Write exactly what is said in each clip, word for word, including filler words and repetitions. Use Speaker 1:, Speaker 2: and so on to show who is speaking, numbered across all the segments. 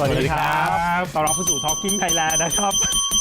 Speaker 1: วัสดีครับต้อนรับเข้าสู่ Talking Thailand นะครับ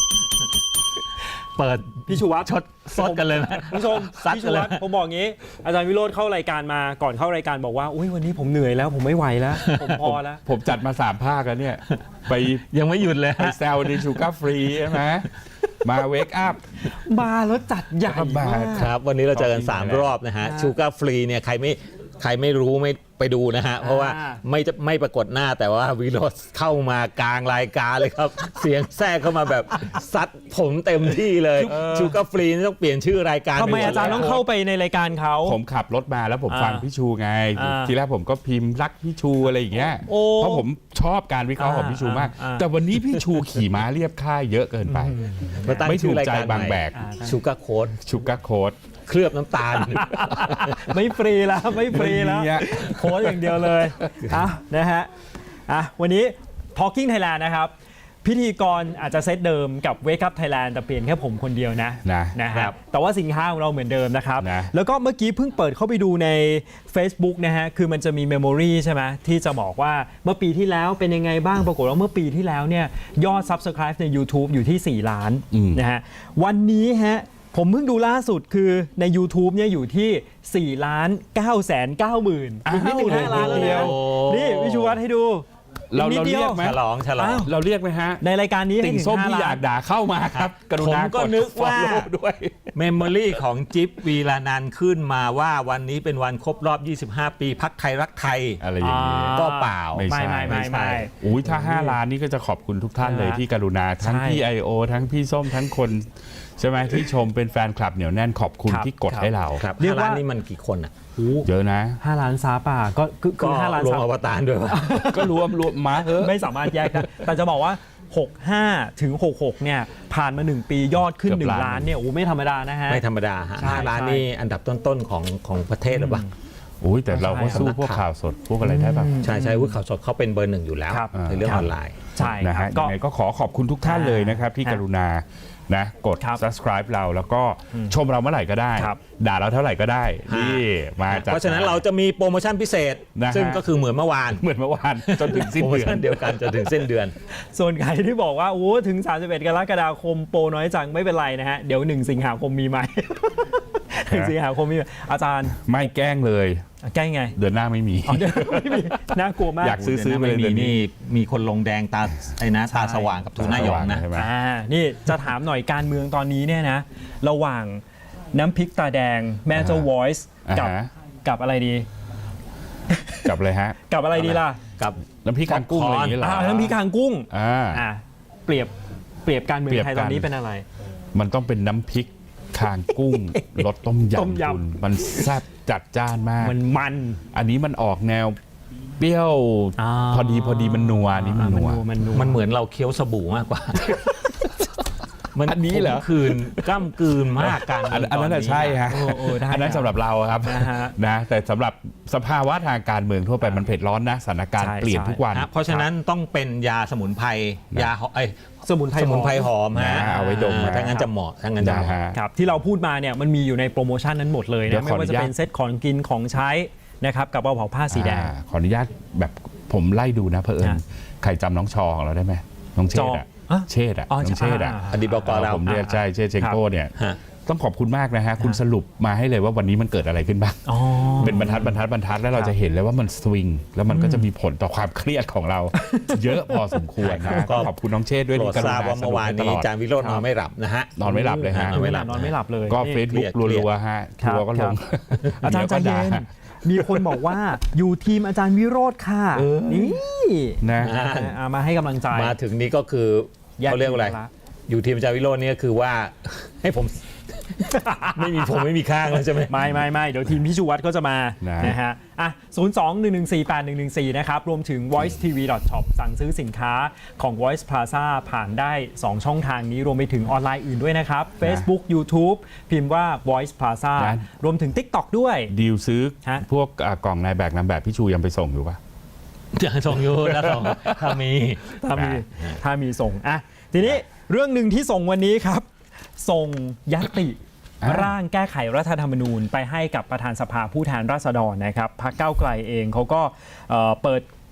Speaker 2: เปิด
Speaker 1: พี่ชูวัฒน์
Speaker 2: ชดซดกันเลยนะ
Speaker 1: ผู้ชมพี่ชูวัฒน์ผมบอกงี้อาจารย์วิโรจน์เข้ารายการมาก่อนเข้ารายการบอกว่าอุ้ยวันนี้ผมเหนื่อยแล้วผมไม่ไหวแล้วผมพอแล้ว
Speaker 3: ผมจัดมาสามภาคแล้วเนี่ยไป
Speaker 2: ยังไม่หยุดเลย
Speaker 3: ไปแซวในชูการ์ฟรีใช่ไหมมาเวกอัพ
Speaker 1: มาแล้วจัดใหญ่มาก
Speaker 2: ครับวันนี้เราเจอกันสามรอบนะฮะชูการ์ฟรีเนี่ยใครไม่ใครไม่รู้ไม่ไปดูนะฮะเพราะว่าไม่จะไม่ปรากฏหน้าแต่ว่าวิโรจน์เข้ามากลางรายการเลยครับ เสียงแทรกเข้ามาแบบซัดผมเต็มที่เลยชูการ์ฟรีนี่ต้องเปลี่ยนชื่อรายการ
Speaker 1: ทำไมอาจารย์ต้องเข้าไปในรายการเขา
Speaker 3: ผมขับรถมาแล้วผมฟังพี่ชูไงทีแรกผมก็พิมพ์รักพี่ชูอะไรอย่างเงี้ยเพราะผมชอบการวิเคราะห์ของพี่ชูมากแต่วันนี้พี่ชูขี่ม้าเรียบค่ายเยอะเกินไปไม่ถูกใจบางแบก
Speaker 2: ชูการ์โค้ด
Speaker 3: ชูการ์โค้ด
Speaker 2: เคลือบน้ำตาล
Speaker 1: ไม่ฟรีแล้วไม่ฟรีแล้วโค้ดอย่างเดียวเลยอ่ะนะฮะอ่ะวันนี้ Talking Thailand นะครับพิธีกรอาจจะเซตเดิมกับ Wake Up Thailand แต่เปลี่ยนแค่ผมคนเดียวนะ
Speaker 3: นะ
Speaker 1: นะครับแต่ว่าสินค้าของเราเหมือนเดิมนะครับ
Speaker 3: นะ
Speaker 1: แล้วก็เมื่อกี้เพิ่งเปิดเข้าไปดูใน Facebook นะฮะคือมันจะมี Memory ใช่ไหมที่จะบอกว่าเมื่อปีที่แล้วเป็นยังไงบ้างปรากฏว่าเมื่อปีที่แล้วเนี่ยยอด Subscribe ใน YouTube อยู่ที่สี่ล้านนะฮะวันนี้ฮะผมเพิ่งดูล่าสุดคือใน YouTube เนี่ยอยู่ที่สี่ล้านเก้าแสนเก้าหมื่นอีกนิดหนึ่งห้าล้านแล้วนะนี่วิชูวัฒน์ให้ดู
Speaker 3: เราเราเรียกไหม
Speaker 2: ฉลองฉลอง
Speaker 3: เราเรียกไหมฮะ
Speaker 1: ในรายการนี้
Speaker 3: ติ่งส้มที่อยากด่าเข้ามาครับกรุณา
Speaker 2: ผมก็นึกว่า
Speaker 3: ด้วย
Speaker 2: เมมโมรี่ของจิ๊บวีรานันท์ขึ้นมาว่าวันนี้เป็นวันครบรอบยี่สิบห้าปีพรรคไทยรักไทย
Speaker 3: อะไรอย่างนี้
Speaker 2: ก็เปล่า
Speaker 3: ไม่
Speaker 1: ไม่ไม่ไม่ไม่
Speaker 3: อุ้ยถ้าห้าล้านนี่ก็จะขอบคุณทุกท่านเลยที่กรุณาทั้งพี่ ไอ โอ ทั้งพี่ส้มทั้งคนใช่ไหมที่ชมเป็นแฟนคลับเหนียวแน่นขอบคุณที่กดให้เรา
Speaker 2: เรียกว่านี่มันกี่คนอ่ะ
Speaker 3: เยอะนะ
Speaker 1: ห้าล้านซาป่าก็คือห้าล้าน
Speaker 2: รวมอวตารด้วย
Speaker 3: ก็รวมรวมมาเถอะ
Speaker 1: ไม่สามารถแยกได้แต่จะบอกว่าหกสิบห้าถึงหกสิบหกเนี่ยผ่านมาหนึ่งปียอดขึ้นหนึ่งล้านเนี่ยโอ้ไม่ธรรมดานะฮะ
Speaker 2: ไม่ธรรมดาฮะห้าล้านนี่อันดับต้นๆของของประเทศหรือเปล่า
Speaker 3: อุ้ยแต่เราก็สู้พวกข่าวสดพวกอะไรได้ป่ะ
Speaker 2: ใช่ใช่พวกข่าวสดเขาเป็นเบอร์หนึ่งอยู่แล้วในเรื่องออนไลน์
Speaker 1: ใช่
Speaker 3: นะฮะยังไงก็ขอขอบคุณทุกท่านเลยนะครับที่กรุณานะกด subscribe เราแล้วก็ชมเราเมื่อไหร่ก็ได้ด่าเราเท่าไหร่ก็ได้นี่มาจาก
Speaker 2: เพราะฉะนั้นเราจะมีโปรโมชั่นพิเศษซึ่งก็คือเหมือนเมื่อวาน
Speaker 3: เหมือนเมื่อวานจนถึงสิ้นเดือน
Speaker 2: เดียวกันจนถึงสิ้นเดือน
Speaker 1: ส่วนใครที่บอกว่าโอ้ถึงสามสิบเอ็ดกรกฎาคมโปรน้อยจังไม่เป็นไรนะฮะเดี๋ยวหนึ่งสิงหาคมมีไหมหนึ่งสิงหาคมมีอาจารย์
Speaker 3: ไม่แกล้งเลย
Speaker 1: แกล้งไง
Speaker 3: เดือนหน้าไม่มี
Speaker 1: ไม่มีน่ากลัวมาก
Speaker 3: อยากซื้อซื้อไปเลย
Speaker 2: นี่มีคนลงแดงตาไอ้นะตาสว่างกับทูน่ายองนะ
Speaker 1: อ่านี่จะถามหน่อยการเมืองตอนนี้เนี่ยนะระหว่างน้ำพริกตาแดงแม่เจ้า Voice กับกับอะไรดี
Speaker 3: กับอะไรฮะ
Speaker 1: กับอะไรดีล่ะ
Speaker 2: กับ
Speaker 3: น้ำพริกคางกุ้งอะไรอย่างเงี้ยเหรอ
Speaker 1: น้ำพริกคางกุ้ง
Speaker 3: อ่า
Speaker 1: เปรียบเปรียบการเมืองไทยตอนนี้เป็นอะไร
Speaker 3: มันต้องเป็นน้ำพริกคางกุ้งรสต้มยำคุณมันแซ่บจัดจ้านมาก
Speaker 1: มันมัน
Speaker 3: อันนี้มันออกแนวเปรี้ยวพอดีพอดีมันนัวนี่มันนัว
Speaker 2: มันเหมือนเราเคี้ยวสบู่มากกว่า
Speaker 3: อันนี้เหรอ
Speaker 2: คืนกล้ำกืนมากกัน
Speaker 3: อันนั้นใช่ฮะอันนั้นสำหรับเราครับนะแต่สำหรับสภาวะทางการเมืองทั่วไปมันเผ็ดร้อนนะสถานการณ์เปลี่ยนทุกวัน
Speaker 2: เพราะฉะนั้นต้องเป็นยาสมุนไพรยาไอสมุนไพรสมุนไพรหอมฮะ
Speaker 3: เอาไว้ดม
Speaker 2: ถ้างั้นจะเหมาะถ้างั้นจะเหมาะ
Speaker 1: ครับที่เราพูดมาเนี่ยมันมีอยู่ในโปรโมชั่นนั้นหมดเลยนะไม่ว่าจะเป็นเซ็ตของกินของใช้นะครับกับกระเป๋าผ้าสีแดง
Speaker 3: ขออนุญาตแบบผมไล่ดูนะเผอิญใครจำน้องชอของเราได้ไหมน้องเชษอะเชษอะน้องเชษอะ
Speaker 2: อดีตบก.เรา
Speaker 3: ผมเรียกใช่เชษเชงโก้เนี่ยต้องขอบคุณมากนะฮะคุณสรุปมาให้เลยว่าวันนี้มันเกิดอะไรขึ้นบ้างเป็นบรรทัดบรรทัดบรรทัดแล้วเราจะเห็นเลยว่ามันสวิงแล้วมันก็จะมีผลต่อความเครียดของเราเยอะพอสมควรนะก็ขอบคุณน้องเชษด้วยที่กรุณา
Speaker 2: ว่าเมื่อวานนี้อาจารย์วิโรจน์นอนไม่หลับนะฮะ
Speaker 3: นอนไม่หลับเลยฮะ
Speaker 1: นอนไม่หลับนอนไม่หลับเลย
Speaker 3: ก็เฟซบุ๊กรัวๆฮะทัวร์ก็ลง
Speaker 1: อาจารย์ใจเย็นมีคนบอกว่าอยู่ทีมอาจารย์วิโรจน์ค่ะนี่
Speaker 3: นะ
Speaker 1: มาให้กำลังใจ
Speaker 2: มาถึงนี้ก็คือเขาเรียกอะไรอยู่ทีมอาจารย์วิโรจน์นี่คือว่าให้ผมไม่มีผมไม่มีข้างแล้วใช่ไหม
Speaker 1: ไม่ไม่ไม่เดี๋ยวทีมพี่ชูวัฒน์ก็จะมานะฮะอ่ะศูนย์ สอง หนึ่ง หนึ่ง สี่ แปด หนึ่ง หนึ่ง สี่นะครับรวมถึง voice t v dot shop สั่งซื้อสินค้าของ Voice Plaza ผ่านได้สองช่องทางนี้รวมไปถึงออนไลน์อื่นด้วยนะครับ Facebook YouTube พิมพ์ว่า Voice Plaza รวมถึง TikTok ด้วย
Speaker 3: ดีลซื้อพวกกล่องนายแบบนำแบบพี่ชูยังไปส่งอยู่ปะ
Speaker 2: ยังส่งอยู่นะส่งถ้ามี
Speaker 1: ถ้ามีถ้ามีส่งอ่ะทีนี้เรื่องหนึ่งที่ส่งวันนี้ครับส่งญัตติร่างแก้ไขรัฐธรรมนูญไปให้กับประธานสภาผู้แทนราษฎรนะครับพรรคก้าวไกลเองเขาก็เปิด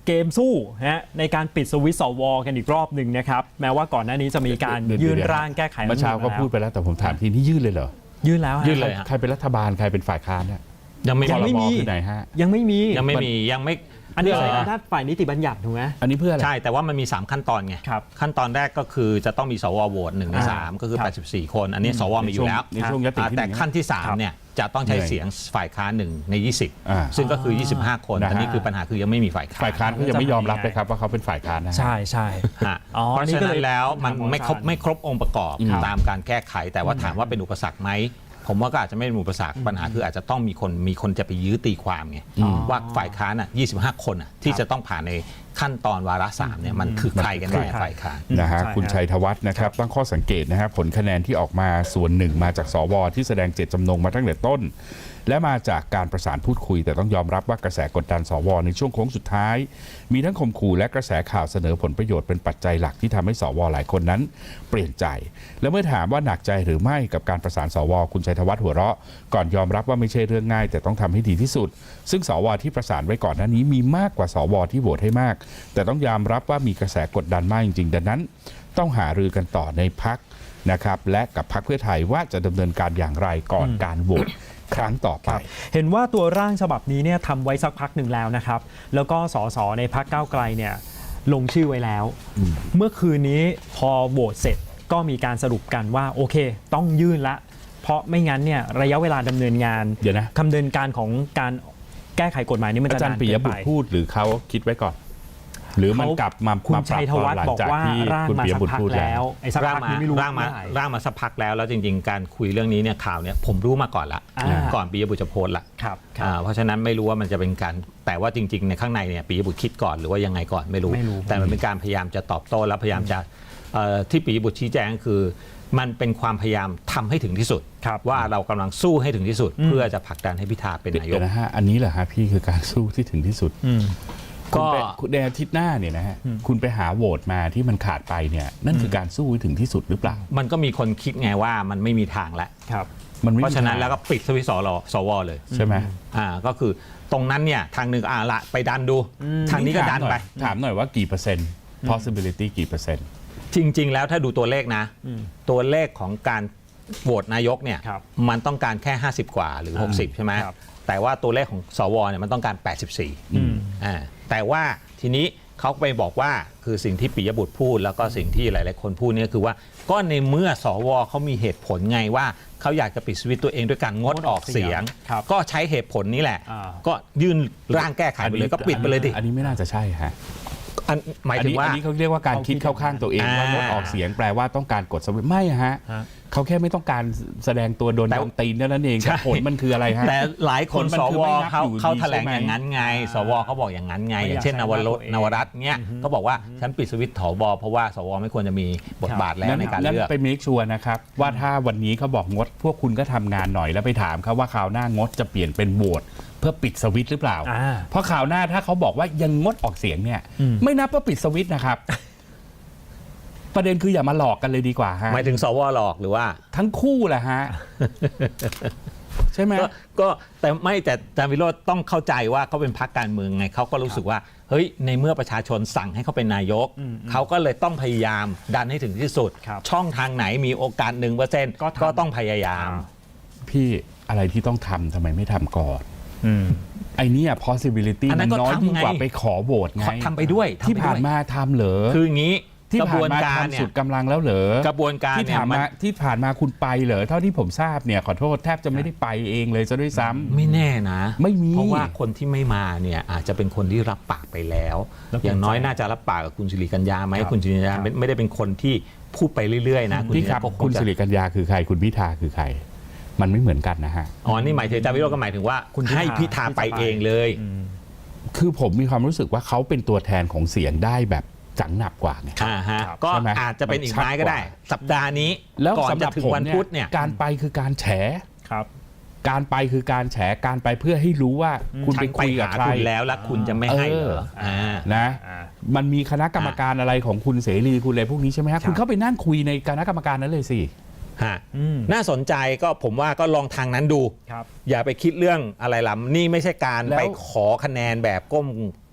Speaker 1: เกมสู้ฮะในการปิดสวิตช์สวกันอีกรอบหนึ่งนะครับแม้ว่าก่อนหน้านี้จะมีการยื่นร่างแก้ไข
Speaker 3: เมื่อเช้าก็พูดไปแล้วแต่ผมถามทีนี้ยื่นเลยเหรอ
Speaker 1: ยื่นแล้วฮะ
Speaker 2: ยื่นเลย
Speaker 3: ใครเป็นรัฐบาลใครเป็นฝ่ายค้านเนี่ย
Speaker 2: ยังไม่
Speaker 1: ยังไม่มี
Speaker 3: คือไหนฮะ
Speaker 1: ยังไม่มี
Speaker 2: ยังไม่มียังไม่
Speaker 1: อันนี้
Speaker 2: เพื่
Speaker 1: ใช้อำนาจฝ่ายนิติบัญญัติถูกไหม
Speaker 3: อันนี้เพื่ออะไร
Speaker 2: ใช่แต่ว่ามันมีสามขั้นตอนไง
Speaker 1: ครับ
Speaker 2: ขั้นตอนแรกก็คือจะต้องมีสวโหวตหนึ่งในสามก็คือ
Speaker 1: ครับ
Speaker 2: แปดสิบสี่ คน อันนี้สวมีอยู่แล้ว
Speaker 3: ในช่วงยติ
Speaker 2: อ่า
Speaker 3: ที่
Speaker 2: แต่
Speaker 3: หง
Speaker 2: ขั้นที่สามเนี่ยจะต้องใช้เสียงฝ่ายค้านหนึ่งในยี่สิบ
Speaker 3: อ่า
Speaker 2: ซึ่งก็คือยี่สิบห้าคน
Speaker 3: นะฮะ
Speaker 2: อันนี้คือปัญหาคือยังไม่มีฝ่ายค้าน
Speaker 3: ฝ่ายค้านก็ยังไม่ยอมรับเลยครับว่าเขาเป็นฝ่ายค้านนะ
Speaker 1: ใช่ใช่
Speaker 2: ฮะ
Speaker 1: อ๋อ
Speaker 2: เพราะ
Speaker 1: นี่
Speaker 2: ฉะ
Speaker 1: ก็
Speaker 2: นั้
Speaker 1: เลย
Speaker 2: นแล้วมัน
Speaker 1: ถาม
Speaker 2: ไม่ครบ
Speaker 1: อาจารย์
Speaker 2: ไม่ครบองค์ประกอบ
Speaker 3: ครับ
Speaker 2: ตามการแก้ไข แต่ว่าถามว่าเป็นอุปสรรคไหมผมว่าก็อาจจะไม่เป็นอุปสรรคปัญหาคืออาจจะต้องมีคนมีคนจะไปยื้อตีความไงว่าฝ่ายค้านอ่ะยี่สิบห้าคนอ่ะที่จะต้องผ่านในขั้นตอนวาระสามเนี่ยมันคือใครกันแน่ฝ่ายค้าน
Speaker 3: นะฮะ
Speaker 1: ใช่
Speaker 3: คุณ
Speaker 1: ครับ
Speaker 3: ชัยธวัฒน์นะครับตั้งข้อสังเกตนะฮะผลคะแนนที่ออกมาส่วนหนึ่งมาจากสวที่แสดงเจตจำนงมาตั้งแต่ต้น และมาจากการประสานพูดคุย แต่ต้องยอมรับว่ากระแสกดดันสวในช่วงโค้งสุดท้าย มีทั้งข่มขู่และกระแสข่าวเสนอผลประโยชน์เป็นปัจจัยหลักที่ทำให้สวหลายคนนั้นเปลี่ยนใจ และเมื่อถามว่าหนักใจหรือไม่กับการประสานสวคุณชัยธวัฒน์หัวเราะก่อนยอมรับว่าไม่ใช่เรื่องง่าย แต่ต้องทำให้ดีที่สุด ซึ่งสวที่ประสานไว้ก่อนหน้านี้มีมากกว่าสวที่โหวตให้มาก แต่ต้องยอมรับว่ามีกระแสกดดันมากจริงๆดังนั้น ต้องหารือกันต่อในพักนะครับและกับพักเพื่อไทยว่าจะดำเนินการอย่างไรก่อนการโหวตครั้งต่อไป
Speaker 1: เห็นว่าตัวร่างฉบับนี้เนี่ยทำไว้สักพักหนึ่งแล้วนะครับ แล้วก็สสในพักก้าวไกลเนี่ยลงชื่อไว้แล้ว เมื่อคืนนี้พอโหวตเสร็จก็มีการสรุปกันว่าโอเค ต้องยื่นละ เพราะไม่งั้นเนี่ยระยะเวลาดำเนินงาน
Speaker 3: เดี๋ยวนะ
Speaker 1: ดำเนินการของการแก้ไขกฎหมายนี้มัน
Speaker 3: อา
Speaker 1: จะาร น
Speaker 3: จานย์ปิ
Speaker 1: เกิ
Speaker 3: ย
Speaker 1: น
Speaker 3: บุ
Speaker 1: ไป
Speaker 3: ตรพูดหรือเขาคิดไว้ก่อน หรือมัน
Speaker 1: เขา
Speaker 3: กลับมา
Speaker 1: คุณ
Speaker 3: มาป
Speaker 1: ชั
Speaker 3: รับ
Speaker 1: ยธ
Speaker 3: ตอ
Speaker 1: วัน ฒ
Speaker 3: หลั
Speaker 1: น์
Speaker 3: ง
Speaker 1: บอก
Speaker 3: จาก
Speaker 1: ว่า
Speaker 3: ที่
Speaker 1: ร่าง
Speaker 3: คุณ
Speaker 1: มา
Speaker 3: ปิย
Speaker 1: สัก
Speaker 3: บุตร
Speaker 1: พัก
Speaker 3: พูดแล้
Speaker 1: แล้ว วไอ้สัก
Speaker 2: ร่าง
Speaker 1: พัก
Speaker 2: มา
Speaker 1: นี้ไม่รู้
Speaker 2: ร่างมา
Speaker 1: เมื่อไหร่
Speaker 2: ร่างมาสักพักแล้วแล้วจริงๆ การคุยเรื่องนี้เนี่ยข่าวเนี่ยผมรู้มาก่อนละ
Speaker 1: อ่า
Speaker 2: ก่อนปิยบุตรจะโพสต์ละ
Speaker 1: ครับครั
Speaker 2: อ่า
Speaker 1: บ
Speaker 2: เพราะฉะนั้นไม่รู้ว่ามันจะเป็นการแต่ว่าจริงๆในข้างในเนี่ยปิยบุตรคิดก่อนหรือว่ายังไงก่อนไม่รู้
Speaker 1: ไม่รู้
Speaker 2: แต่มันเป็นการพยายามจะตอบโต้และพยายามจะเอ่อที่ปิยบุตรชี้แจงคือ มันเป็นความพยายามทำให้ถึงที่สุด
Speaker 1: ครับ
Speaker 2: ว่าเรากำลังสู้ให้ถึงที่สุด เพื่อจะผลักดันให้พิธาเป็นนาย
Speaker 3: เดี๋
Speaker 2: ก
Speaker 3: ยวนะฮะอันนี้แหละฮะพี่คือการสู้ที่ถึงที่สุด
Speaker 1: อืม
Speaker 2: ก็
Speaker 3: คุณไปคุณในอาทิตย์หน้าเนี่ยนะฮะคุณไปหาโหวตมาที่มันขาดไปเนี่ยนั่นคือการสู้ให้ถึงที่สุดหรือเปล่า
Speaker 2: มันก็มีคนคิดไงว่ามันไม่มีทางแล้ว
Speaker 1: ครับ
Speaker 3: มันไม่
Speaker 2: เพ
Speaker 3: มี
Speaker 2: ราะฉะนั้น
Speaker 3: ทง
Speaker 2: แล้วก็ปิดสวิตช์สวสวเลย
Speaker 3: ใช่ไหม
Speaker 2: อ่าก็คือตรงนั้นเนี่ยทางหนึ่งอ่าละไปดันดู ทางนี้ก็ดันไป
Speaker 3: ถามหน่อยว่ากี่เปอร์เซ็นต์ possibility กี่เปอร์เซ็นต์
Speaker 2: จริง ๆ แล้วถ้าดูตัวเลขนะ ตัวเลขของการโหวตนายกเนี่ย
Speaker 1: ครับ
Speaker 2: มันต้องการแค่ห้าสิบกว่าหรือหกสิบใช่ไหม
Speaker 1: ครับ
Speaker 2: แต่ว่าตัวเลขของสวเนี่ยมันต้องการแปดสิบสี่อ่าแต่ว่าทีนี้เขาไปบอกว่าคือสิ่งที่ปิยบุตรพูดแล้วก็สิ่งที่หลายๆคนพูดเนี่ยคือว่าก็ในเมื่อสวเขามีเหตุผลไงว่าเขาอยากจะปิดสวิตช์ตัวเองด้วยการงดออกเสียง
Speaker 1: ครับ
Speaker 2: ก็ใช้เหตุผลนี้แหละ
Speaker 1: อ่า
Speaker 2: ก็ยื่นร่างแก้ไขไปเลยก็ปิดไปเลยดิ
Speaker 3: อันนี้ไม่น่าจะใช่ฮะ
Speaker 2: อันหมาย
Speaker 3: อัน
Speaker 2: ถึง
Speaker 3: นี้
Speaker 2: ว่า
Speaker 3: อันนี้เขาเรียกว่าการคิดเข้าข้างตัวเอง
Speaker 2: อ่า
Speaker 3: ว่างดออกเสียงแปลว่าต้องการกดสวิตช์ไม่ฮะ
Speaker 1: ฮะ
Speaker 3: เขาแค่ไม่ต้องการแสดงตัวโดน
Speaker 2: แต่
Speaker 3: โดนตีนเท่านั้นเอง
Speaker 2: ใช่
Speaker 3: แต่ผลมันคืออะไรฮะ
Speaker 2: แต่หลายคน
Speaker 3: ผลมัน
Speaker 2: ส
Speaker 3: คือ
Speaker 2: ว
Speaker 3: ไม่นับ
Speaker 2: เขา
Speaker 3: อยู่ดี
Speaker 2: เขาแถลง
Speaker 3: ใช่ไหม
Speaker 2: อย่างนั้นไง สวเขาบอกอย่างนั้นไง
Speaker 1: ไม่อยาก
Speaker 2: อย่างเช่น
Speaker 1: ใช้
Speaker 2: นวร
Speaker 1: ตัวเอง
Speaker 2: นวรัตน์เนี่ยก็บอกว่าฉันปิดสวิตช์ถบเพราะว่าสวไม่ควรจะมีบทบาทแล้วในการ
Speaker 3: นั่น
Speaker 2: เลือก
Speaker 3: ไปเมคชัวร์นะครับ ว่าถ้าวันนี้เขาบอกงด พวกคุณก็ทำงานหน่อยแล้วไปถามเขาว่าคราวหน้างดจะเปลี่ยนเป็นโหวตเพื่อปิดสวิตช์หรือเปล่า
Speaker 1: อ่า
Speaker 3: เพราะข่าวหน้าถ้าเขาบอกว่ายังงดออกเสียงเนี่ย
Speaker 1: อืม
Speaker 3: ไม่นับว่าปิดสวิตช์นะครับ ประเด็นคืออย่ามาหลอกกันเลยดีกว่าฮะ
Speaker 2: หมายถึงสวหลอกหรือว่า
Speaker 3: ทั้งคู่แหละฮะ ใช่ไหม
Speaker 2: ก็ก็แต่ไม่แต่อาจารย์วิโรจน์ต้องเข้าใจว่าเขาเป็นพรรคการเมืองไงเขาก็รู้สึกว่าเฮ้ยในเมื่อประชาชนสั่งให้เขาเป็นนายกเขาก็เลยต้องพยายามดันให้ถึงที่สุด
Speaker 1: ครับ
Speaker 2: ช่องทางไหนมีโอกาสหนึ่งเปอร์เซ็นต์
Speaker 1: ก็ทำ
Speaker 2: ก็ต้องพยายาม
Speaker 3: พี่อะไรที่ต้องทำทำไมไม่ทำก่อน
Speaker 1: อืม
Speaker 3: ไอ้เนี่ย possibility
Speaker 2: อันนั้
Speaker 3: มัน
Speaker 2: นก็
Speaker 3: น้อย
Speaker 2: ทำ
Speaker 3: ยิ่งกว่า
Speaker 2: ไง
Speaker 3: ไปขอโหวตไง
Speaker 2: ทำไปด้วยทำไปด้วย
Speaker 3: ที่ผ่านมาทำเหรอ
Speaker 2: คืออย่างนี้
Speaker 3: ที่
Speaker 2: กระบ
Speaker 3: ผ่า
Speaker 2: วน
Speaker 3: นมา
Speaker 2: การ
Speaker 3: ทำ
Speaker 2: เนี่
Speaker 3: สุ
Speaker 2: ย
Speaker 3: ดกำลังแล้วเหรอก
Speaker 2: ระบวนการ
Speaker 3: ที่
Speaker 2: เนี่ย
Speaker 3: ผ่าน
Speaker 2: มัน
Speaker 3: มาที่ผ่านมาคุณไปเหรอเท่าที่ผมทราบเนี่ยขอโทษแทบจะไม่ได้ไปเองเลยซะด้วยซ้ำ
Speaker 2: ไม่แน่นะ
Speaker 3: ไม่มี
Speaker 2: เพราะว่าคนที่ไม่มาเนี่ยอาจจะเป็นคนที่รับปากไปแล้ว
Speaker 1: แล้ว
Speaker 2: อย่างน้อย
Speaker 1: เปลี่ยนใจ
Speaker 2: น่าจะรับปากกับคุณสิริกัญญาไหม
Speaker 1: ครับ
Speaker 2: คุณสิริกัญญา
Speaker 1: ครับ
Speaker 2: ไม่ไม่ได้เป็นคนที่พูดไปเรื่อยๆนะ
Speaker 3: พี่ครับ
Speaker 2: ก็ง
Speaker 3: คุณ
Speaker 2: จะ
Speaker 3: สิริกัญญาคือใครคุณพิธาคือใคร มันไม่เหมือนกันนะฮะ
Speaker 2: อ๋อนี่หมายถึงอาจารย์วิโรจน์ก็หมายถึงว่า
Speaker 1: คุณพิธา
Speaker 2: ให้พิธาไปเองเลย
Speaker 3: คือผมมีความรู้สึกว่าเขาเป็นตัวแทนของเสียงได้แบบจังหนับกว่าไง
Speaker 2: อ่าฮะ
Speaker 1: ครับ
Speaker 2: ก็
Speaker 3: ใช่ไหม
Speaker 2: อาจจะเป็นอีกไม้ก็ได้
Speaker 3: มันชัดกว่า
Speaker 2: สัปดาห์นี้
Speaker 3: แล้ว
Speaker 2: ก่อน
Speaker 3: สำห
Speaker 2: จะ
Speaker 3: รับ
Speaker 2: ถึง
Speaker 3: ผม
Speaker 2: วัน
Speaker 3: เนี่ย
Speaker 2: พุธเนี่ย
Speaker 3: การไปคือการแฉ
Speaker 1: ครับ
Speaker 3: การไปคือการแฉการไปเพื่อให้รู้ว่าคุณ
Speaker 2: ฉั
Speaker 3: ไป
Speaker 2: นไป
Speaker 3: คุยกับ
Speaker 2: หา
Speaker 3: ใคร
Speaker 2: คุณแล้วแล้วคุณจะไม่ให้เหรอ
Speaker 3: เออ
Speaker 2: อ่า
Speaker 3: นะ
Speaker 1: อ่า
Speaker 3: มันมีคณะกรรมการอะไรของคุณเสรีคุณอะไรพวกนี้ใช่ไหมฮะ
Speaker 1: ครับ
Speaker 3: คุณเข้าไปนั่งคุยในคณะกรรมการนั้นเลยสิ
Speaker 2: ฮะ
Speaker 1: อืม
Speaker 2: น่าสนใจก็ผมว่าก็ลองทางนั้นดู
Speaker 1: ครับ
Speaker 2: อย่าไปคิดเรื่องอะไรล่ะนี่ไม่ใช่การ
Speaker 3: แล้ว
Speaker 2: ไปขอคะแนนแบบก้ม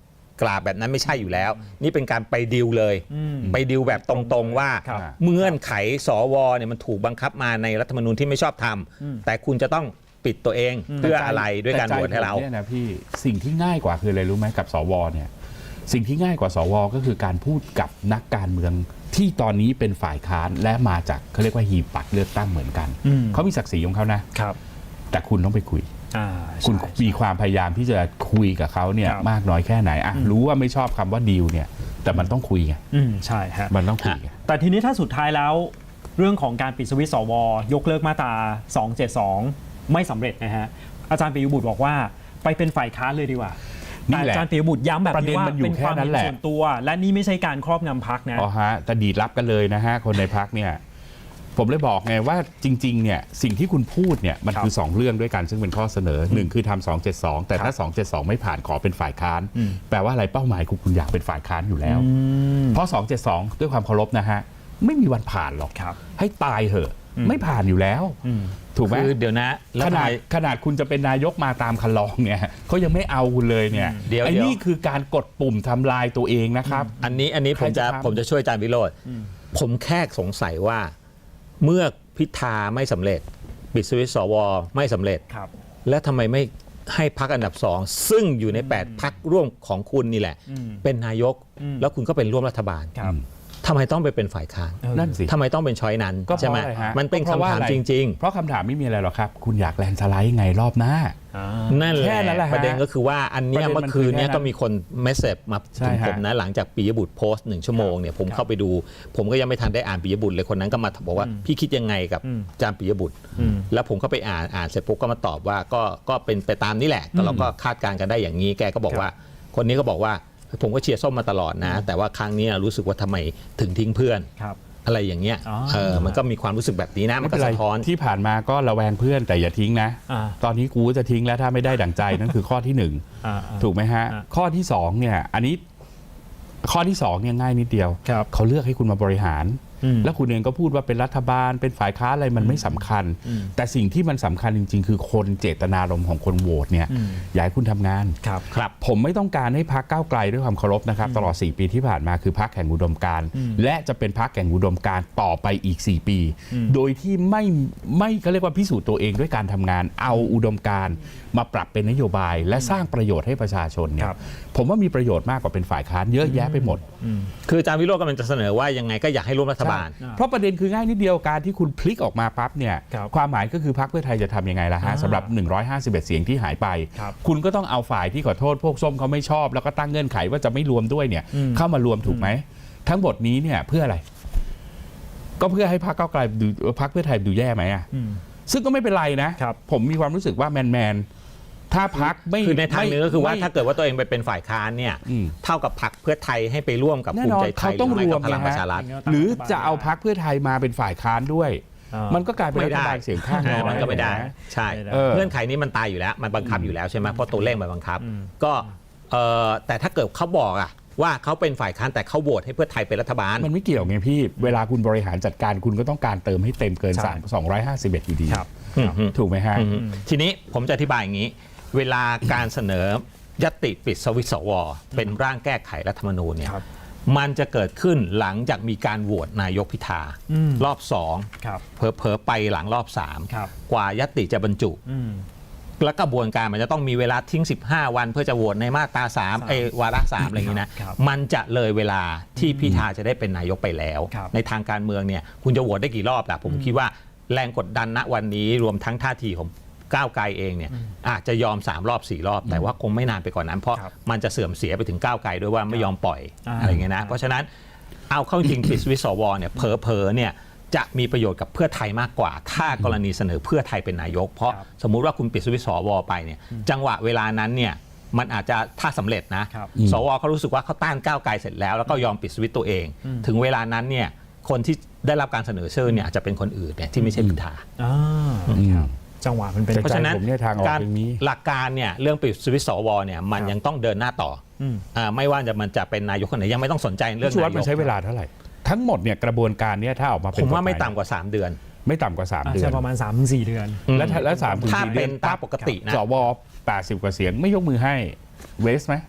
Speaker 2: กราบแบบนั้นไม่ใช่อยู่แล้ว นี่เป็นการไปดิวเลยไปดิวแบบตรงๆว่า
Speaker 1: ครับ
Speaker 2: เงื่อนไขสวเนี่ยมันถูกบังคับมาในรัฐธรรมนูญที่ไม่ชอบทำแต่คุณจะต้องปิดตัวเองเพื่ออะไรด้วยการโหวตให้เรา
Speaker 3: แต่ใจผมเนี่ยนะพี่สิ่งที่ง่ายกว่าคืออะไรรู้ไหมกับสวเนี่ยสิ่งที่ง่ายกว่าสวก็คือการพูดกับนักการเมืองที่ตอนนี้เป็นฝ่ายค้านและมาจากเขาเรียกว่าหีบบัตรเลือกตั้งเหมือนกัน
Speaker 1: อืม
Speaker 3: เขามีศักดิ์ศรีของเขานะครับ แต่คุณต้องไปคุย
Speaker 1: อ่า
Speaker 3: คุณ
Speaker 1: ใช่
Speaker 3: มีความพยายามที่จะคุยกับเขาเนี่ย
Speaker 1: ครับ
Speaker 3: มากน้อยแค่ไหนอ่ะรู้ว่าไม่ชอบคำว่าดีลเนี่ยแต่มันต้องคุยไง
Speaker 1: อืมใช่ฮะ
Speaker 3: มันต้องคุยไง
Speaker 1: แต่ทีนี้ถ้าสุดท้ายแล้วเรื่องของการปิดสวิตช์สว ยกเลิกมาตราสองเจ็ดสองไม่สำเร็จนะฮะอาจารย์ปิยบุตรบอกว่าไปเป็นฝ่ายค้านเลยดีกว่า
Speaker 3: นี่
Speaker 1: แต่
Speaker 3: แหละ
Speaker 1: อาจารย์ปิยบุตรย้ำแบบ
Speaker 3: ประเด็
Speaker 1: นี้
Speaker 3: น
Speaker 1: ว่า
Speaker 3: มันอยู่
Speaker 1: เป็นความ
Speaker 3: แค่นั้
Speaker 1: เห็
Speaker 3: น
Speaker 1: น
Speaker 3: แหละ
Speaker 1: ส่วนตัว และนี่ไม่ใช่การครอบงำพรรคนะ
Speaker 3: อ๋อฮะแต่ดีดรับกันเลยนะฮะคนในพักเนี่ยผมเลยบอกไงว่าจริงๆเนี่ยสิ่งที่คุณพูดเนี่ยมัน
Speaker 1: ครับ
Speaker 3: คือสองเรื่องด้วยกันซึ่งเป็นข้อเสนอหนึ่งคือทำสองเจ็ดสองแต่ถ้าสองเจ็ดสองไม่ผ่านขอเป็นฝ่ายค้านแปลว่าอะไรเป้าหมายคุณคุณอยากเป็นฝ่ายค้านอยู่แล้ว เพราะสองเจ็ดสองด้วยความเคารพนะฮะไม่มีวันผ่านหรอก
Speaker 1: ครับ
Speaker 3: ให้ตายเหอะไม่ผ่านอยู่แล้ว
Speaker 1: อืม
Speaker 3: ถูกไหม
Speaker 2: คือเดี๋ยวนะแล้ว
Speaker 3: ข
Speaker 2: ทำ
Speaker 3: นา
Speaker 2: ไม
Speaker 3: ดขนาดคุณจะเป็นนายกมาตามคันลองเนี่ยเขายังไม่เอาคุณเลยเนี่ย
Speaker 2: เดี๋ยว
Speaker 3: ไอ้
Speaker 2: เดี๋ยว
Speaker 3: นี่คือการกดปุ่มทำลายตัวเองนะครับ
Speaker 2: อันนี้อันนี้ผมจะ
Speaker 3: ใครจะทำ
Speaker 2: ผมจะช่วยอาจารย์วิโรจน์ผมแค่สงสัยว่าเมื่อพิธาไม่สำเร็จปิดสวิตช์สวไม่สำเร็จ
Speaker 1: ครับ
Speaker 2: และทำไมไม่ให้พักอันดับสองซึ่งอยู่ในแปดพักร่วมของคุณนี่แหละ
Speaker 1: อืม
Speaker 2: เป็นนายก
Speaker 1: อืม
Speaker 2: แล้วคุณก็เป็นร่วมรัฐบาล
Speaker 1: ครับ
Speaker 2: ทำไมต้องไปเป็นฝ่ายค้าน
Speaker 1: เออ
Speaker 3: นั่นสิ
Speaker 2: ทำไมต้องเป็นช้อยนั้น
Speaker 3: ก็เพ
Speaker 2: ใช่ไหม
Speaker 3: ราะอะไรฮะ
Speaker 2: มันเป็น
Speaker 3: ก็พระ
Speaker 2: คำ
Speaker 3: ว่
Speaker 2: ถาม
Speaker 3: อะไร
Speaker 2: จริง
Speaker 3: เพราะคำถามไม่มีอะไรหรอกครับ คุณอยากแลนด์สไลด์ไงรอบหน้า
Speaker 1: อ่า
Speaker 2: ๆ นั่นแห
Speaker 3: แค่
Speaker 2: ละ
Speaker 3: นั้นแหละฮะ
Speaker 2: ประเด็นก็คือว่าอันเนี้ย
Speaker 3: ประเด็นมัน
Speaker 2: เมื่อคืนเนี้ย
Speaker 3: คือแค่นั้น
Speaker 2: ก็มีคนเมสเซจมา
Speaker 3: ใช่
Speaker 2: ถึง
Speaker 3: ฮะ
Speaker 2: ผมนะหลังจากปิยบุตรโพสต์หนึ่งชั่วโมงเนี่ยผมเข้าไปดู ผมก็ยังไม่ทันได้อ่านปิยบุตรเลยคนนั้นก็มาบอกว่าพี่คิดยังไงกับ
Speaker 1: อืม
Speaker 2: อาจารย์ปิยบุตร
Speaker 1: อืม
Speaker 2: แล้วผมก็ไปอ่านอ่านเสร็จปุ๊บก็มาตอบว่าก็ก็เป็นไปตามนี้แหละแต่เราก็คาดการณ์กันได้อย่างนี้แกก็บอกว่า คนนี้ก็บอกว่าผมก็เชียร์ส้มมาตลอดนะ แต่ว่าครั้งนี้รู้สึกว่าทำไมถึงทิ้งเพื่อน
Speaker 1: ครับ
Speaker 2: อะไรอย่างเงี้ย
Speaker 1: อ๋อ
Speaker 2: เออมันก็มีความรู้สึกแบบนี้นะมันก็
Speaker 3: ไเป็
Speaker 2: สะท้อน
Speaker 3: ที่ผ่านมาก็ระแวงเพื่อนแต่อย่าทิ้งนะ
Speaker 1: อ่า
Speaker 3: ตอนนี้กูจะทิ้งแล้วถ้าไม่ได้ดั่งใจ นั่นคือข้อที่หนึ่ง
Speaker 1: อ่าอ่า
Speaker 3: ถูกไหมฮะ
Speaker 1: อ่า
Speaker 3: ข้อที่สองเนี่ยอันนี้ข้อที่สองเนี่ยง่ายนิดเดียว
Speaker 1: ครับ
Speaker 3: เขาเลือกให้คุณมาบริหาร
Speaker 1: อืม
Speaker 3: แล้วคุณเองก็พูดว่าเป็นรัฐบาลเป็นฝ่ายค้านอะไรมันไม่สำคัญ
Speaker 1: อืม
Speaker 3: แต่สิ่งที่มันสำคัญจริง ๆ คือคนเจตนารมณ์ของคนโหวตเนี่ย
Speaker 1: อืม
Speaker 3: อยากให้คุณทำงาน
Speaker 1: ครับ
Speaker 2: ครับ
Speaker 3: ผมไม่ต้องการให้พักก้าวไกลด้วยความเคารพนะครับ ตลอด สี่ ปีที่ผ่านมาคือพักแห่งอุดมการณ์และจะเป็นพักแห่งอุดมการณ์ต่อไปอีก สี่ ปี โดยที่ไม่ไม่เขาเรียกว่าพิสูจน์ตัวเองด้วยการทำงาน เอาอุดมการณ์มาปรับเป็นนโยบาย และสร้างประโยชน์ให้ประชาชนเนี่
Speaker 1: ค
Speaker 3: ย
Speaker 1: รับ
Speaker 3: ผมว่ามีประโยชน์มากกว่าเป็นฝ่ายค้านเยอะแยะไปหมด
Speaker 2: คืออาจารย์วิโรจน์กำลังจะเสนอว่ายังไงก็อยากให้ร่วมรัฐบาล
Speaker 3: ใช่เพราะประเด็นคือง่ายนิดเดียวการที่คุณพลิกออกมาปั๊บเนี่ย
Speaker 1: ครับ
Speaker 3: ความหมายก็คือพรรคเพื่อไทยจะทำยังไงล่ะฮะ
Speaker 1: อ่า
Speaker 3: สำหรับหนึ่งร้อยห้าสิบเอ็ดเสียงที่หายไป
Speaker 1: ครับ
Speaker 3: คุณก็ต้องเอาฝ่ายที่ขอโทษพวกส้มเขาไม่ชอบ แล้วก็ตั้งเงื่อนไขว่าจะไม่รวมด้วยเนี่ย
Speaker 1: อืม
Speaker 3: เข้ามารวมถูกไหมทั้งหมดนี้เนี่ยเพื่ออะไร ก็เพื่อให้พรรคก้าวไกลดูพรรคเพื่อไทยดูแย่ไหมอ่ะ
Speaker 1: อืม
Speaker 3: ซึ่งก็ไม่เป็นไรนะครับ ผมมีความรู้สึกว่าแมนแมนๆถ้าพรรคไม่
Speaker 2: คือในทางหนึงก็คือว่า
Speaker 3: ไม่
Speaker 2: ถ้าเกิดว่าตัวเองไปเป็นฝ่ายค้านเนี่ย
Speaker 3: อืม
Speaker 2: เท่ากับพรรคเพื่อไทยให้ไปร่วมกับ
Speaker 3: แน่
Speaker 2: ภู
Speaker 3: น
Speaker 2: มิ
Speaker 3: อน
Speaker 2: ใจไท
Speaker 3: เขา
Speaker 2: ยห
Speaker 3: ต้
Speaker 2: รือ อง ไม่
Speaker 3: รว
Speaker 2: กั
Speaker 3: ม
Speaker 2: บพลัง
Speaker 3: ไง
Speaker 2: ประ
Speaker 3: ฮะ
Speaker 2: ชารัฐ
Speaker 3: หรือจะเอาพรรคเพื่อไทยมาเป็นฝ่ายค้านด้วย
Speaker 1: อ่ามั
Speaker 3: มันก็กลายเป็น
Speaker 2: ไม่
Speaker 3: รัฐ
Speaker 2: ได้
Speaker 3: บาลเสียงข้างน้อย
Speaker 2: มันก็ไม่ได้ ใช่
Speaker 1: ไม่ได้
Speaker 3: เออ
Speaker 2: เงื่อนไขนี้มันตายอยู่แล้ว มันบังคับอยู่แล้วใช่ไหมเพราะตัวเลขมันบังคับ ก็เอ่อแต่ถ้าเกิดเขาบอกอะว่าเขาเป็นฝ่ายค้านแต่เขาโหวตให้เพื่อไทยเป็นรัฐบาล
Speaker 3: มันไม่เกี่ยวไงพี่ เวลาคุณบริหารจัดการคุณก็ต้องการเติมให้เต็มเกิน
Speaker 1: ใช่
Speaker 3: สามสองร้อยห้าสิบเอ็ดอยู่ดี
Speaker 1: ครับ
Speaker 2: อืม
Speaker 3: ถูกไหมฮะ
Speaker 2: อืมทีนี้ผมจะอธิบายอย่างนี้ เวลาการเสนอยติปิดสวิตช์สวเป็นร่างแก้ไขรัฐธรรมนูญเนี่ย
Speaker 1: ครับ
Speaker 2: มันจะเกิดขึ้นหลังจากมีการโหวตนายกพิธา
Speaker 1: อืม
Speaker 2: รอบสอง
Speaker 1: ครับ
Speaker 2: เผลอๆไปหลังรอบสาม
Speaker 1: ครับ
Speaker 2: กว่ายติจะบรรจุ
Speaker 1: อืม
Speaker 2: และกระบวนการมันจะต้องมีเวลาทิ้ง สิบห้า วันเพื่อจะโหวตในมาตราสามไอ้วาระสามอะไรอย่างนี้นะครับ มันจะเลยเวลาที่พิธาจะได้เป็นนายกไปแล้ว
Speaker 1: ครับ
Speaker 2: ในทางการเมืองเนี่ยคุณจะโหวตได้กี่รอบล่ะผมคิดว่าแรงกดดันณวันนี้รวมทั้งท่าทีของก้าวไกลเองเนี่ยอาจจะยอมสามรอบสี่รอบ แต่ว่าคงไม่นานไปกว่านนั้น เพราะ
Speaker 1: ครับ
Speaker 2: มันจะเสื่อมเสียไปถึงก้าวไกลด้วยว่าไม่ยอมปล่อย
Speaker 1: อ่า
Speaker 2: อะไรอย่างเงี้ยนะเพราะฉะนั้นเอาเข้าจริง ปิดสวิตช์สวเนี่ยเผลอๆเนี่ยจะมีประโยชน์กับเพื่อไทยมากกว่า ถ้ากรณีเสนอเพื่อไทยเป็นนายก เพราะ
Speaker 1: ครับ
Speaker 2: สมมุติว่าคุณปิดสวิตช์สวไปเนี่ยจังหวะเวลานั้นเนี่ยมันอาจจะถ้าสำเร็จนะครับ สวเขารู้สึกว่าเขาต้านก้าวไกลเสร็จแล้วแล้วก็ยอมปิดสวิตช์ตัวเอง ถึงเวลานั้นเนี่ยคนที่ได้รับการเสนอชื่อเนี่ยอาจจะเป็นคนอื่นเนี่ยที่ไม่ใช่พิธา
Speaker 1: อ่าครับจังหวะมันเป็น
Speaker 3: แต่
Speaker 2: เพราะฉะนั้น
Speaker 3: ผมเนี่ยทางออก
Speaker 2: การ
Speaker 3: อย่างนี้
Speaker 2: หลักการเนี่ยเรื่องปิดสวิตช์สวเนี่ยมัน
Speaker 1: ครับ
Speaker 2: ยังต้องเดินหน้าต่ออ
Speaker 1: ม
Speaker 2: อ่าไม่ว่าจะมันจะเป็นนายกคนไหนยังไม่ต้องสนใจเรื่อง
Speaker 3: ชูวัฒ
Speaker 2: นา
Speaker 3: น์
Speaker 2: ย
Speaker 3: มัน
Speaker 2: ก
Speaker 3: ใช้เวลาเท่าไหร่ ทั้งหมดเนี่ยกระบวนการเนี่ยถ้าออกมาเป็
Speaker 2: ผ
Speaker 3: น
Speaker 2: มว่าไม่
Speaker 3: กฎหย
Speaker 2: ต่ำกว่า สาม เดือน
Speaker 3: ไม่ต่ำกว่าสาม
Speaker 1: อาจ
Speaker 3: เดือ
Speaker 1: จะ
Speaker 3: น
Speaker 1: ประมาณ สามถึงสี่ เดือน
Speaker 3: และถ้าและสามถึง
Speaker 2: ถ้า
Speaker 3: สี่เดื
Speaker 2: เป็
Speaker 3: อน น
Speaker 2: ตามปกตินะ
Speaker 3: สวแปดสิบกว่าเสียงไม่ยกมือให้เวสไหม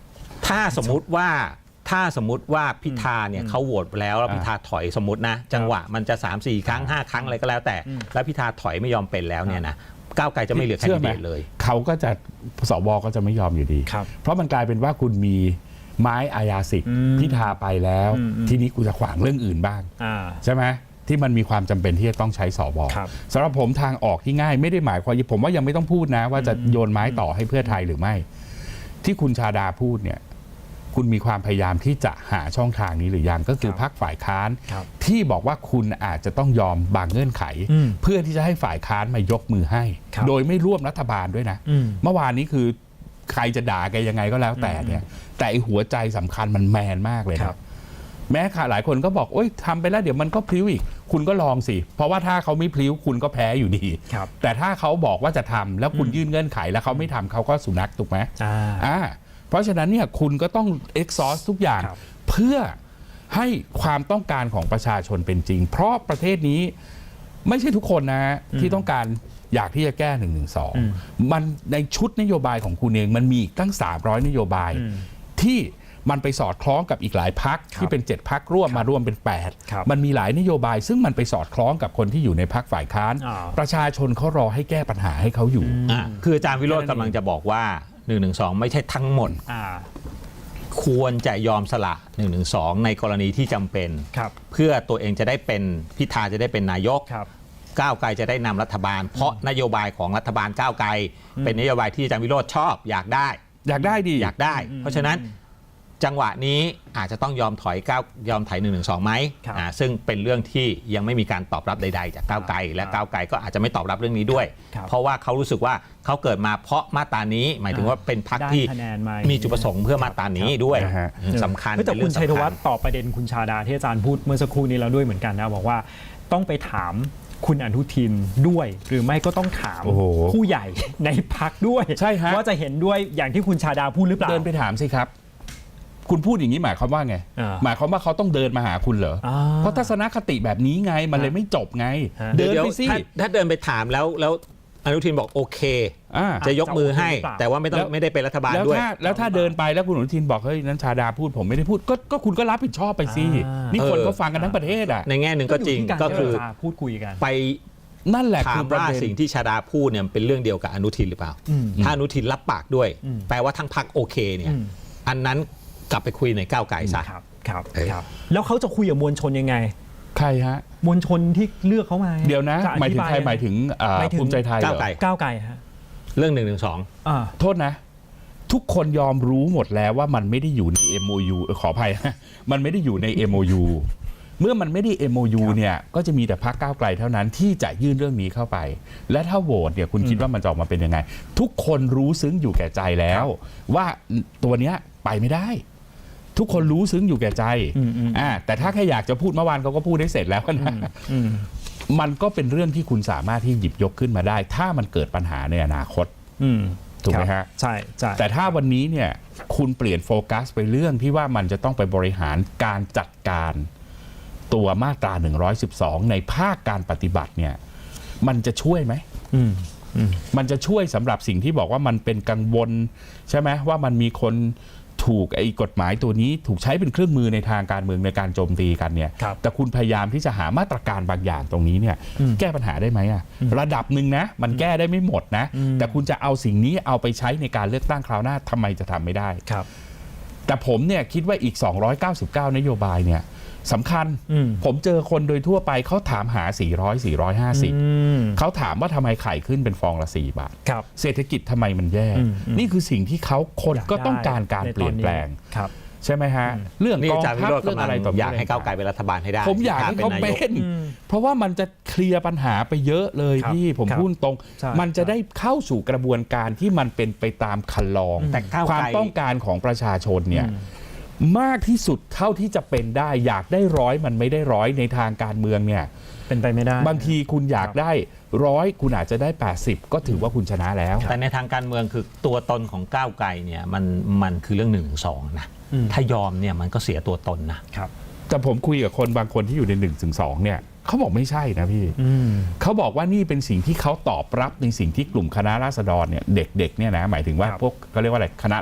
Speaker 2: ถ้าสมมุติว่าถ้าสมมุติว่าพิธาเนี่ยเขาโหวตแล้วแล้วพิธาถอยสมมตินะจังหวะมันจะสามสี่ครั้งห้าครั้งอะไรก็แล้วแต่แล้วพิธาถอยไม่ยอมเป็นแล้วเนี่ยนะก้าวไกลจะไม่เหลือแคนดิเดตเลย
Speaker 3: เขาก็จะสวก็จะไม่ยอมอยู่ดีเพราะมันกลายเป็นว่าคุณมีไม้อาญาสิทธิ์พิธาไปแล้วทีนี้กูจะขวางเรื่องอื่นบ้างใช่ไหมที่มันมีความจำเป็นที่จะต้องใช้สวสำหรับผมทางออกที่ง่ายไม่ได้หมายความผมว่ายังไม่ต้องพูดนะว่าจะโยนไม้ต่อให้เพื่อไทยหรือไม่ที่คุณชาดาพูดเนี่ยคุณมีความพยายามที่จะหาช่องทางนี้หรือยังก็คือพรรคฝ่ายค้านที่บอกว่าคุณอาจจะต้องยอมบางเงื่อนไขเพื่อที่จะให้ฝ่ายค้านมายกมือให้โดยไม่ร่วมรัฐบาลด้วยนะเมื่อวานนี้คือใครจะด่าแกยังไงก็แล้วแต่เนี่ยแต่หัวใจสำคัญมันแมนมากเลยนะแม้ค่ะหลายคนก็บอกโอ๊ยทำไปแล้วเดี๋ยวมันก็พลิ้วอีกคุณก็ลองสิเพราะว่าถ้าเขาไม่พลิ้วคุณก็แพ้อยู่ดีแต่ถ้าเขาบอกว่าจะทำแล้วคุณยื่นเงื่อนไขแล้วเขาไม่ทำเขาก็สุนัขถูกไหมอ่าเพราะฉะนั้นเนี่ยคุณก็ต้อง exhaust ทุกอย่างเพื่อให้ความต้องการของประชาชนเป็นจริงเพราะประเทศนี้ไม่ใช่ทุกคนนะที่ต้องการอยากที่จะแก้หนึ่งหนึ่งสองมันในชุดนโยบายของคุณเองมันมีตั้งสามร้อยนโยบายที่มันไปสอดคล้องกับอีกหลายพรรคที่เป็นเจ็ดพรรคร่วมมารวมเป็นแปดมันมีหลายนโยบายซึ่งมันไปสอดคล้องกับคนที่อยู่ในพรรคฝ่ายค้านประชาชนเขารอให้แก้ปัญหาให้เขาอยู่
Speaker 2: คืออาจารย์วิโรจน์กำลังจะบอกว่าหนึ่งหนึ่งสองไม่ใช่ทั้งหมดควรจะยอมสละหนึ่งหนึ่งสองในกรณีที่จำเป็นเพื่อตัวเองจะได้เป็นพิธาจะได้เป็นนายกก้าวไกลจะได้นำรัฐบาลเพราะนโยบายของรัฐบาลก้าวไกลเป็นนโยบายที่อาจารย์วิโรจน์ชอบอยากได้
Speaker 3: อยากได้ดี
Speaker 2: อยากได้เพราะฉะนั้นจังหวะนี้อาจจะต้องยอมถอยก้าวยอมถอยหนึ่งหนึ่งสองไหมอ่าซึ่งเป็นเรื่องที่ยังไม่มีการตอบรับใดๆจากก้าวไกลและก้าวไกลก็อาจจะไม่ตอบรับเรื่องนี้ด้วยเพราะว่าเขารู้สึกว่าเขาเกิดมาเพราะมาตรานี้หมายถึงว่าเป็นพรรคที่มีจุดประสงค์เพื่อมาตรานี้ด้วยสำคัญ
Speaker 1: แต่คุณชัยธวัฒน์ตอบประเด็นคุณชาดาที่อาจารย์พูดเมื่อสักครู่นี้แล้วด้วยเหมือนกันนะบอกว่าต้องไปถามคุณอนุทินด้วยหรือไม่ก็ต้องถามผู้ใหญ่ในพรรคด้วยว่าจะเห็นด้วยอย่างที่คุณชาดาพูดหรือเปล่า
Speaker 3: เดินไปถามสิครับคุณพูดอย่างนี้หมายความว่าไงหมายความว่าเขาต้องเดินมาหาคุณเหรอเพราะทัศนคติแบบนี้ไงมันเลยไม่จบไง
Speaker 2: เดินไปสิถ้าเดินไปถามแล้วแล้วอนุทินบอกโอเคจะยกมือให้แต่ว่าไม่ต้องไม่ได้เป็นรัฐบาลด้วย
Speaker 3: แล้วถ้าเดินไปแล้วคุณอนุทินบอกเฮ้ยนั้นชาดาพูดผมไม่ได้พูดก็ก็คุณก็รับผิดชอบไปสินี่คนก็ฟังกันทั้งประเทศอ่ะ
Speaker 2: ในแง่หนึ่งก็จริงก็คือ
Speaker 1: พูดคุยกัน
Speaker 2: ไป
Speaker 3: นั่นแหละ
Speaker 2: คือว่าสิ่งที่ชาดาพูดเนี่ยเป็นเรื่องเดียวกับอนุทินหรือเปล่าถ้าอนุทินรับปากด้วยแปลว่าทั้งพรรคโอเคเนี่ยอันนั้นกลับไปคุยในก้าวไกลซะ
Speaker 1: ครับครับครับแล้วเขาจะคุยกับมวลชนยังไง
Speaker 3: ใครฮะ
Speaker 1: มวลชนที่เลือกเขามา
Speaker 3: เดี๋ยวนะหมายถึงใครหมายถึงภูมิใจไทย
Speaker 2: ก้าวไกล
Speaker 1: ก้าวไกลฮะ
Speaker 2: เรื่องหนึ่งหนึ่งสอง
Speaker 3: โทษนะทุกคนยอมรู้หมดแล้วว่ามันไม่ได้อยู่ใน เอ็ม โอ ยู ขออภัยมันไม่ได้อยู่ใน เอ็ม โอ ยู เมื่อมันไม่ได้ เอ็ม โอ ยู เนี่ยก็จะมีแต่พรรคก้าวไกลเท่านั้นที่จะยื่นเรื่องนี้เข้าไปและถ้าโหวตเนี่ยคุณคิดว่ามันจะออกมาเป็นยังไงทุกคนรู้ซึ้งอยู่แก่ใจแล้วว่าตัวเนี้ยไปไม่ได้ทุกคนรู้ซึ้งอยู่แก่ใจอ่าแต่ถ้าแค่อยากจะพูดเมื่อวานเขาก็พูดได้เสร็จแล้วนะมันก็เป็นเรื่องที่คุณสามารถที่หยิบยกขึ้นมาได้ ถ้ามันเกิดปัญหาในอนาคตถูกไหมฮะ
Speaker 1: ใช่ใช่
Speaker 3: แต่ถ้าวันนี้เนี่ยคุณเปลี่ยนโฟกัสไปเรื่องที่ว่ามันจะต้องไปบริหารการจัดการตัวมาตราหนึ่งร้อยสิบสองในภาคการปฏิบัติเนี่ยมันจะช่วยไหมมันจะช่วยสำหรับสิ่งที่บอกว่ามันเป็นกังวลใช่ไหมว่ามันมีคนถูกไอ้กฎหมายตัวนี้ถูกใช้เป็นเครื่องมือในทางการเมืองในการโจมตีกันเนี่ยแต่คุณพยายามที่จะหามาตรการบางอย่างตรงนี้เนี่ยแก้ปัญหาได้ไหมอะระดับหนึ่งนะมันแก้ได้ไม่หมดนะแต่คุณจะเอาสิ่งนี้เอาไปใช้ในการเลือกตั้งคราวหน้าทำไมจะทำไม่ได้แต่ผมเนี่ยคิดว่าอีกสองร้อยเก้าสิบเก้านโยบายเนี่ยสำคัญผมเจอคนโดยทั่วไปเขาถามหาสี่ร้อย สี่ร้อยห้าสิบเขาถามว่าทำไมไข่ขึ้นเป็นฟองละสี่บาทเศรษฐกิจทำไมมันแย่นี่คือสิ่งที่เขาคนก็ต้องการการเปลี่ยนแปลงใช่ไหมฮะเรื่องกองทัพเรื่องอะไรต่อ
Speaker 2: อยากให้ก้าวไกลเป็นรัฐบาลให้ได้
Speaker 3: ผมอยากให้เขาเป็นเพราะว่ามันจะเคลียร์ปัญหาไปเยอะเลยพี่ผมพูดตรงมันจะได้เข้าสู่กระบวนการที่มันเป็นไปตามคันลองความต้องการของประชาชนเนี่ยมากที่สุดเท่าที่จะเป็นได้อยากได้ร้อยมันไม่ได้ร้อยในทางการเมืองเนี่ย
Speaker 1: เป็นไปไม่ได้
Speaker 3: บางทีคุณอยากได้ร้อยคุณอาจจะได้แปดสิบก็ถือว่าคุณชนะแล้ว
Speaker 2: แต่ในทางการเมืองคือตัวตนของก้าวไกลเนี่ยมันมันคือเรื่องหนึ่งสองนะถ้ายอมเนี่ยมันก็เสียตัวตนนะครับ
Speaker 3: แต่ผมคุยกับคนบางคนที่อยู่ในหนึ่งถึงสองเนี่ยเขาบอกไม่ใช่นะพี่เขาบอกว่านี่เป็นสิ่งที่เขาตอบรับในสิ่งที่กลุ่มคณะราษฎรเนี่ยเด็กๆเนี่ยนะหมายถึงว่าพวกเขาเรียกว่าอะไรคณะ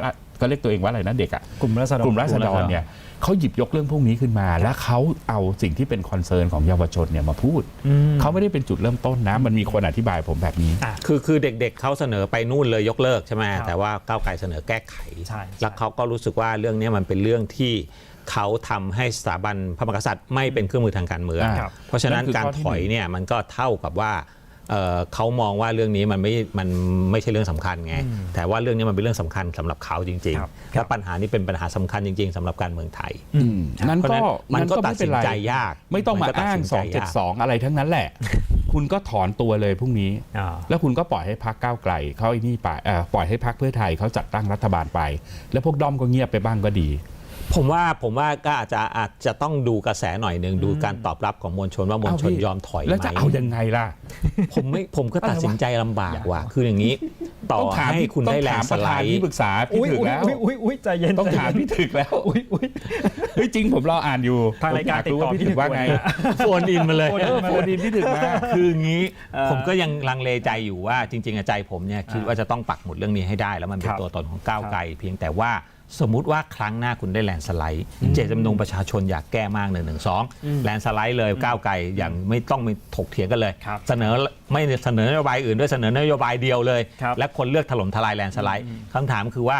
Speaker 3: ก็เรียกตัวเองว่าอะไรนะเด็กอ่ะ
Speaker 1: กลุ่มราษฎร
Speaker 3: กลุ่มราษฎรเนี่ยเขาหยิบยกเรื่องพวกนี้ขึ้นมา แล้วเขาเอาสิ่งที่เป็นคอนเซิร์นของเยาวชนเนี่ยมาพูดเขาไม่ได้เป็นจุดเริ่มต้นนะมันมีคนอธิบายผมแบบนี้
Speaker 2: คือคือเด็กๆเขาเสนอไปนู่นเลยยกเลิกใช่ไหม
Speaker 1: ครับ
Speaker 2: แต่ว่าก้าวไกลเสนอแก้ไข
Speaker 1: ใช่
Speaker 2: แล้วเขาก็รู้สึกว่าเรื่องนี้มันเป็นเรื่องที่เขาทำให้สถาบันพระมหากษัตริย์ไม่เป็นเครื่องมือทางการเมือง
Speaker 3: ครับ
Speaker 2: เพราะฉะนั้น
Speaker 3: นั่นคือ
Speaker 2: การ
Speaker 3: ข้อที่
Speaker 2: ถอย
Speaker 3: หนึ่ง
Speaker 2: เนี่ยมันก็เท่ากับว่าเอ่อเขามองว่าเรื่องนี้มันไม่มันไม่ใช่เรื่องสำคัญไงแต่ว่าเรื่องนี้มันเป็นเรื่องสำคัญสำหรับเขาจริง
Speaker 1: ครับ
Speaker 2: ๆและปัญหานี้เป็นปัญหาสำคัญจริง ๆสำหรับการเมืองไทย
Speaker 3: อืมนั่น
Speaker 2: เพราะ
Speaker 3: ก็
Speaker 2: ฉะนั้นมันก็
Speaker 3: ไ
Speaker 2: ตัดสินใจยาก
Speaker 3: ไม่ต้องมา
Speaker 2: มันก็ตัด
Speaker 3: อ้าง
Speaker 2: สินใจยาก
Speaker 3: สองเจ็ดสองอะไรทั้งนั้นแหละ คุณก็ถอนตัวเลยพรุ่งนี้
Speaker 1: อ่า
Speaker 3: แล้วคุณก็ปล่อยให้พรรคก้าวไกลเขาไอ้นี่ไปเอ่อปล่อยให้พรรคเพื่อไทยเขาจัดตั้งรัฐบาลไป แล้วพวกด้อมก็เงียบไปบ้างก็ดี
Speaker 2: ผมว่าผมว่าก็อาจจะอาจจะต้องดูกระแสหน่อยหนึ่งดูการตอบรับของมวลชนว่ามวลชน
Speaker 3: เอ้าพี่
Speaker 2: ยอมถอยไหม
Speaker 3: แล้วจะเอายังไงล่ะ
Speaker 2: ผมไม่ผมก็ตัดสินใจลำบากว่ะคืออย่างนี้ต่อ
Speaker 3: ต้องถาม
Speaker 2: ให้
Speaker 3: พี่
Speaker 2: คุณ
Speaker 3: ต้อ
Speaker 2: ได้
Speaker 3: ง
Speaker 2: แล
Speaker 3: ถาน ม
Speaker 2: ด์ส
Speaker 3: ประ
Speaker 2: ไล
Speaker 3: ธาน
Speaker 2: ด์
Speaker 3: ที่ปรึกษาพี่
Speaker 1: อุ้ย
Speaker 3: ถึก
Speaker 1: อุ้ย
Speaker 3: แล้ว
Speaker 1: อุ้ยอุ้ยอุ้ยใจเย็น
Speaker 3: ต้อง
Speaker 1: ใจเย็น
Speaker 3: ถามพี่ถึกแล้ว
Speaker 1: อุ้ยอุ้ย
Speaker 3: เฮ้ยจริงผมรออ่านอยู่
Speaker 1: ทางรายการ
Speaker 3: ผมอยรู้ว่า
Speaker 1: ติดต่อ
Speaker 3: พี่ถึกว่าไง
Speaker 1: พี่ถึกนะ
Speaker 2: โฟนอินมาเลย
Speaker 1: โฟน
Speaker 3: เออโฟนอินพี่ถึกมา
Speaker 2: คืออย่างนี้
Speaker 1: เอ่อ
Speaker 2: ผมก็ยังลังเลใจอยู่ว่าจริงๆอะใจผมเนี่ยคิดว่าจะต้องปักหมุดเรื่องนี้ให้ได้ แล้วมันเป็
Speaker 1: คน รับ
Speaker 2: ตัวตนของก้าวไกลเพียงแต่ว่าสมมุติว่าครั้งหน้าคุณได้แลนด์สไลด์เจตจำนงประชาชนอยากแก้มากหนึ่งหนึ่งสองแลนด์สไลด์เลยก้าวไกลอย่างไม่ต้องมีถกเถียงกันเลย
Speaker 1: ครับ
Speaker 2: เสนอไม่เสนอนโยบายอื่นด้วยเสนอนโยบายเดียวเลย
Speaker 1: ครับ
Speaker 2: และคนเลือกถล่มทลายแลนด์สไลด์คำถามคือว่า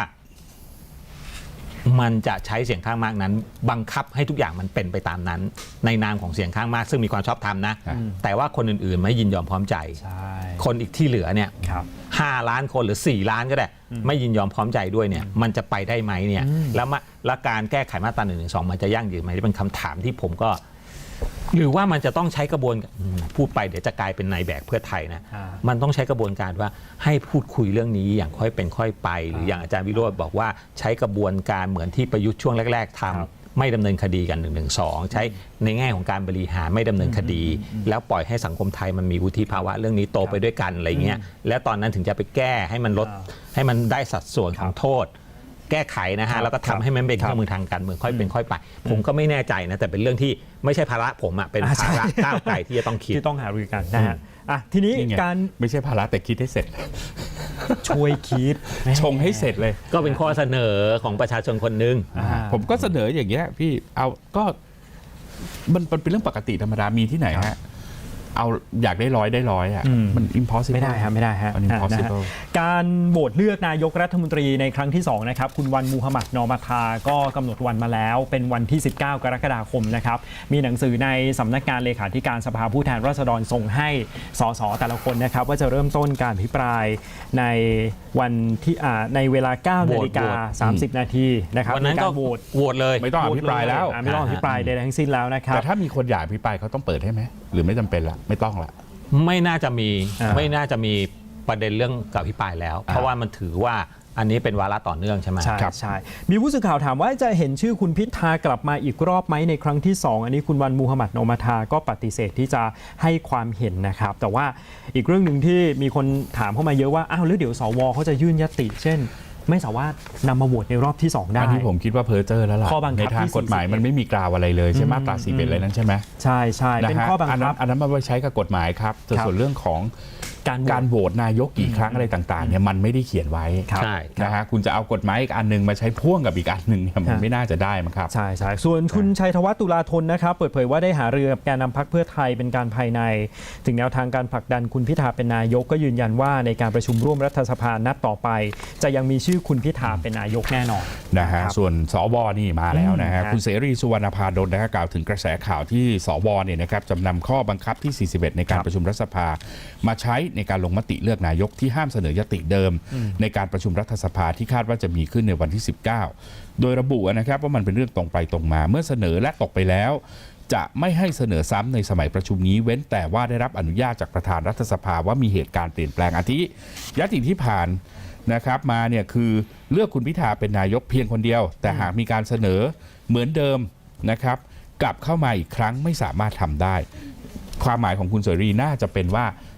Speaker 2: มันจะใช้เสียงข้างมากนั้น บังคับให้ทุกอย่างมันเป็นไปตามนั้น ในนามของเสียงข้างมาก ซึ่งมีความชอบธรรมนะ
Speaker 3: อืม
Speaker 2: แต่ว่าคนอื่นๆไม่ยินยอมพร้อมใจ
Speaker 1: ใช่
Speaker 2: คนอีกที่เหลือเนี่ย
Speaker 1: ครับ
Speaker 2: ห้าล้านคนหรือสี่ล้านก็ได้ ไม่ยินยอมพร้อมใจด้วยเนี่ยมันจะไปได้ไหมเนี่ยแล้วมาแล้วการแก้ไขมาตราหนึ่งหนึ่งสองมันจะยั่งยืนไหมนี่เป็นคำถามที่ผมก็ หรือว่ามันจะต้องใช้กระบวนอืมพูดไปเดี๋ยวจะกลายเป็นนายแบกเพื่อไทยนะ
Speaker 1: อ่า
Speaker 2: มันต้องใช้กระบวนการว่าให้พูดคุยเรื่องนี้อย่างค่อยเป็นค่อยไป หรืออย่างอาจารย์วิโรจน์บอกว่าใช้กระบวนการเหมือนที่ประยุทธ์ช่วงแรก ๆทำ
Speaker 1: ครับ
Speaker 2: ไม่ดำเนินคดีกันหนึ่งหนึ่งสองใช้ในแง่ของการบริหารไม่ดำเนินคดี แล้วปล่อยให้สังคมไทยมันมีวุฒิภาวะเรื่องนี้โตไปด้วยกันอะไรเงี้ยแล้วตอนนั้นถึงจะไปแก้ให้มันลด
Speaker 1: อ่า
Speaker 2: ให้มันได้สัดส่วนของโทษ แก้ไขนะ
Speaker 1: ครั
Speaker 2: ฮะ
Speaker 1: บ
Speaker 2: แล้วก็ทำให้มันเป็น
Speaker 1: ครั
Speaker 2: เค
Speaker 1: บ
Speaker 2: รื่องมือทางการเมืองค่อยเป็นค่อยไป ผมก็ไม่แน่ใจนะแต่เป็นเรื่องที่ไม่ใช่ภาระผมอะเป็น
Speaker 1: อ่าใช่
Speaker 2: ภาระก้าวไกลที่จะต้องคิด
Speaker 1: ที่ต้องหารือกันนะฮะอ่ะทีนี้
Speaker 3: นี่ไง
Speaker 1: การ
Speaker 3: ไม่ใช่ภาระแต่คิดให้เสร็จ
Speaker 1: ช่วยคิด
Speaker 3: ชงให้เสร็จเลย
Speaker 2: ก็เป็นข้อเสนอของประชาชนคนหนึ่ง
Speaker 1: อ่า
Speaker 3: ผมก็เสนออย่างเงี้ยพี่เอาก็มันมันเป็นเรื่องปกติธรรมดามีที่ไหนฮะเอาอยากได้ร้อยได้ร้อยอ่ะ
Speaker 1: อืม
Speaker 3: มัน impossible
Speaker 1: ไม่ได้ฮะไม่ได้ฮะ
Speaker 3: มัน impossible
Speaker 1: นะฮะการโหวตเลือกนายกรัฐมนตรีในครั้งที่สองนะครับคุณวันมูฮัมหมัดนอมาทาก็กำหนดวันมาแล้วเป็นวันที่ สิบเก้ากรกฎาคมนะครับมีหนังสือในสำนักงานเลขาธิการสภาผู้แทนราษฎรส่งให้สสแต่ละคนนะครับว่าจะเริ่มต้นการอภิปรายในวันที่อ่าในเวลา เก้า
Speaker 2: โหวต
Speaker 1: นาฬิกาสามสิบนาทีนะครับ
Speaker 2: วันนั้น
Speaker 1: มี
Speaker 2: ก็
Speaker 1: การโหวต
Speaker 2: โหวตเลย
Speaker 3: ไม่ต้องอภิปรายแล้ว
Speaker 1: อ่าไม่ต้องอภิปรายใดๆทั้งสิ้นแล้วนะครับ
Speaker 3: แต่ถ้ามีคนอยากอภิปรายเขาต้องเปิดให้ไหมหรือไม่จำเป็นละไม่ต้องละ
Speaker 2: ไม่น่าจะมี
Speaker 1: อ่า
Speaker 2: ไม่น่าจะมีประเด็นเรื่องกับพิปรายแล้ว เพราะว่ามันถือว่าอันนี้เป็นวาระต่อเนื่องใช่ไหม
Speaker 1: ใช่
Speaker 3: ครับ
Speaker 1: ใช่มีผู้สื่อข่าวถามว่าจะเห็นชื่อคุณพิธากลับมาอีกรอบไหมในครั้งที่สองอันนี้คุณวันมูฮัมหมัดนอมาทาก็ปฏิเสธที่จะให้ความเห็นนะครับแต่ว่าอีกเรื่องหนึ่งที่มีคนถามเข้ามาเยอะว่าอ้าวแล้วเดี๋ยวสวเขาจะยื่นยติ เช่น ไม่สามารถนำมาโหวตในรอบที่สองได้
Speaker 3: อันนี้ผมคิดว่าเพอร์เจอร์แล้วล่ะ
Speaker 1: ข้อบังคับ
Speaker 3: ในทาง
Speaker 1: ที่
Speaker 3: กฎหมาย
Speaker 1: สี่สิบเอ็ด
Speaker 3: มันไม่มีกล่าวอะไรเลยใช่ไหมมาตราสี่สิบเอ็ดอะไรนั้นใช่ไหม
Speaker 1: ใช่ใช่เป็น
Speaker 3: นะฮะ
Speaker 1: ข้อบัง
Speaker 3: อัน
Speaker 1: คั
Speaker 3: นั้
Speaker 1: บ
Speaker 3: นอันนั้นมาไว้ใช้กับกฎหมายครับแต่
Speaker 1: ครับ
Speaker 3: ส่วนเรื่องของ
Speaker 1: การโหวต
Speaker 3: การโหวตนายกกี่ครั้งอะไรต่างๆเนี่ยมันไม่ได้เขียนไว้
Speaker 1: ครับ
Speaker 2: ใช่
Speaker 3: นะฮะคุณจะเอากฎหมายอีกอันหนึงมาใช้พ่วงกับอีกอันหนึ่งเนี่ยมัน
Speaker 1: ฮะ
Speaker 3: ไม่น่าจะได้มั้งครับ
Speaker 1: ใช่ใช่ส่วนคุณชัยธวัฒน์ตุลาธนนะครับเปิดเผยว่าได้หารือกับแกนนำพรรคเพื่อไทยเป็นการภายใน ถึงแนวทางการผลักดันคุณพิธาเป็นนายกก็ยืนยันว่าในการประชุมร่วมรัฐสภานัดต่อไป จะยังมีชื่อคุณพิธาเป็นนายกแน่นอน
Speaker 3: นะฮะ
Speaker 1: ครับ
Speaker 3: ส่วนสวนี่มาแล้วนะฮะ
Speaker 1: อืม
Speaker 3: คุณเสรีสุวรรณพาดลนะฮะกล่าวถึงกระแสข่าวที่สวเนี่ยนะครับจำนำข้อบังคับที่ สี่สิบเอ็ด ในการ
Speaker 1: ครับ
Speaker 3: ประชุมรัฐสภา มาใช้ในการลงมติเลือกนายกที่ห้ามเสนอยติเดิม ในการประชุมรัฐสภาที่คาดว่าจะมีขึ้นในวันที่ สิบเก้า โดยระบุนะครับว่ามันเป็นเรื่องตรงไปตรงมา เมื่อเสนอและตกไปแล้ว จะไม่ให้เสนอซ้ำในสมัยประชุมนี้เว้นแต่ว่าได้รับอนุญาตจากประธานรัฐสภาว่ามีเหตุการณ์เปลี่ยนแปลงอาทิยติที่ผ่านนะครับมาเนี่ยคือเลือกคุณพิธาเป็นนายกเพียงคนเดียว แต่หากมีการเสนอเหมือนเดิมนะครับกลับเข้ามาอีกครั้งไม่สามารถทำได้ ความหมายของคุณเสรีน่าจะเป็นว่า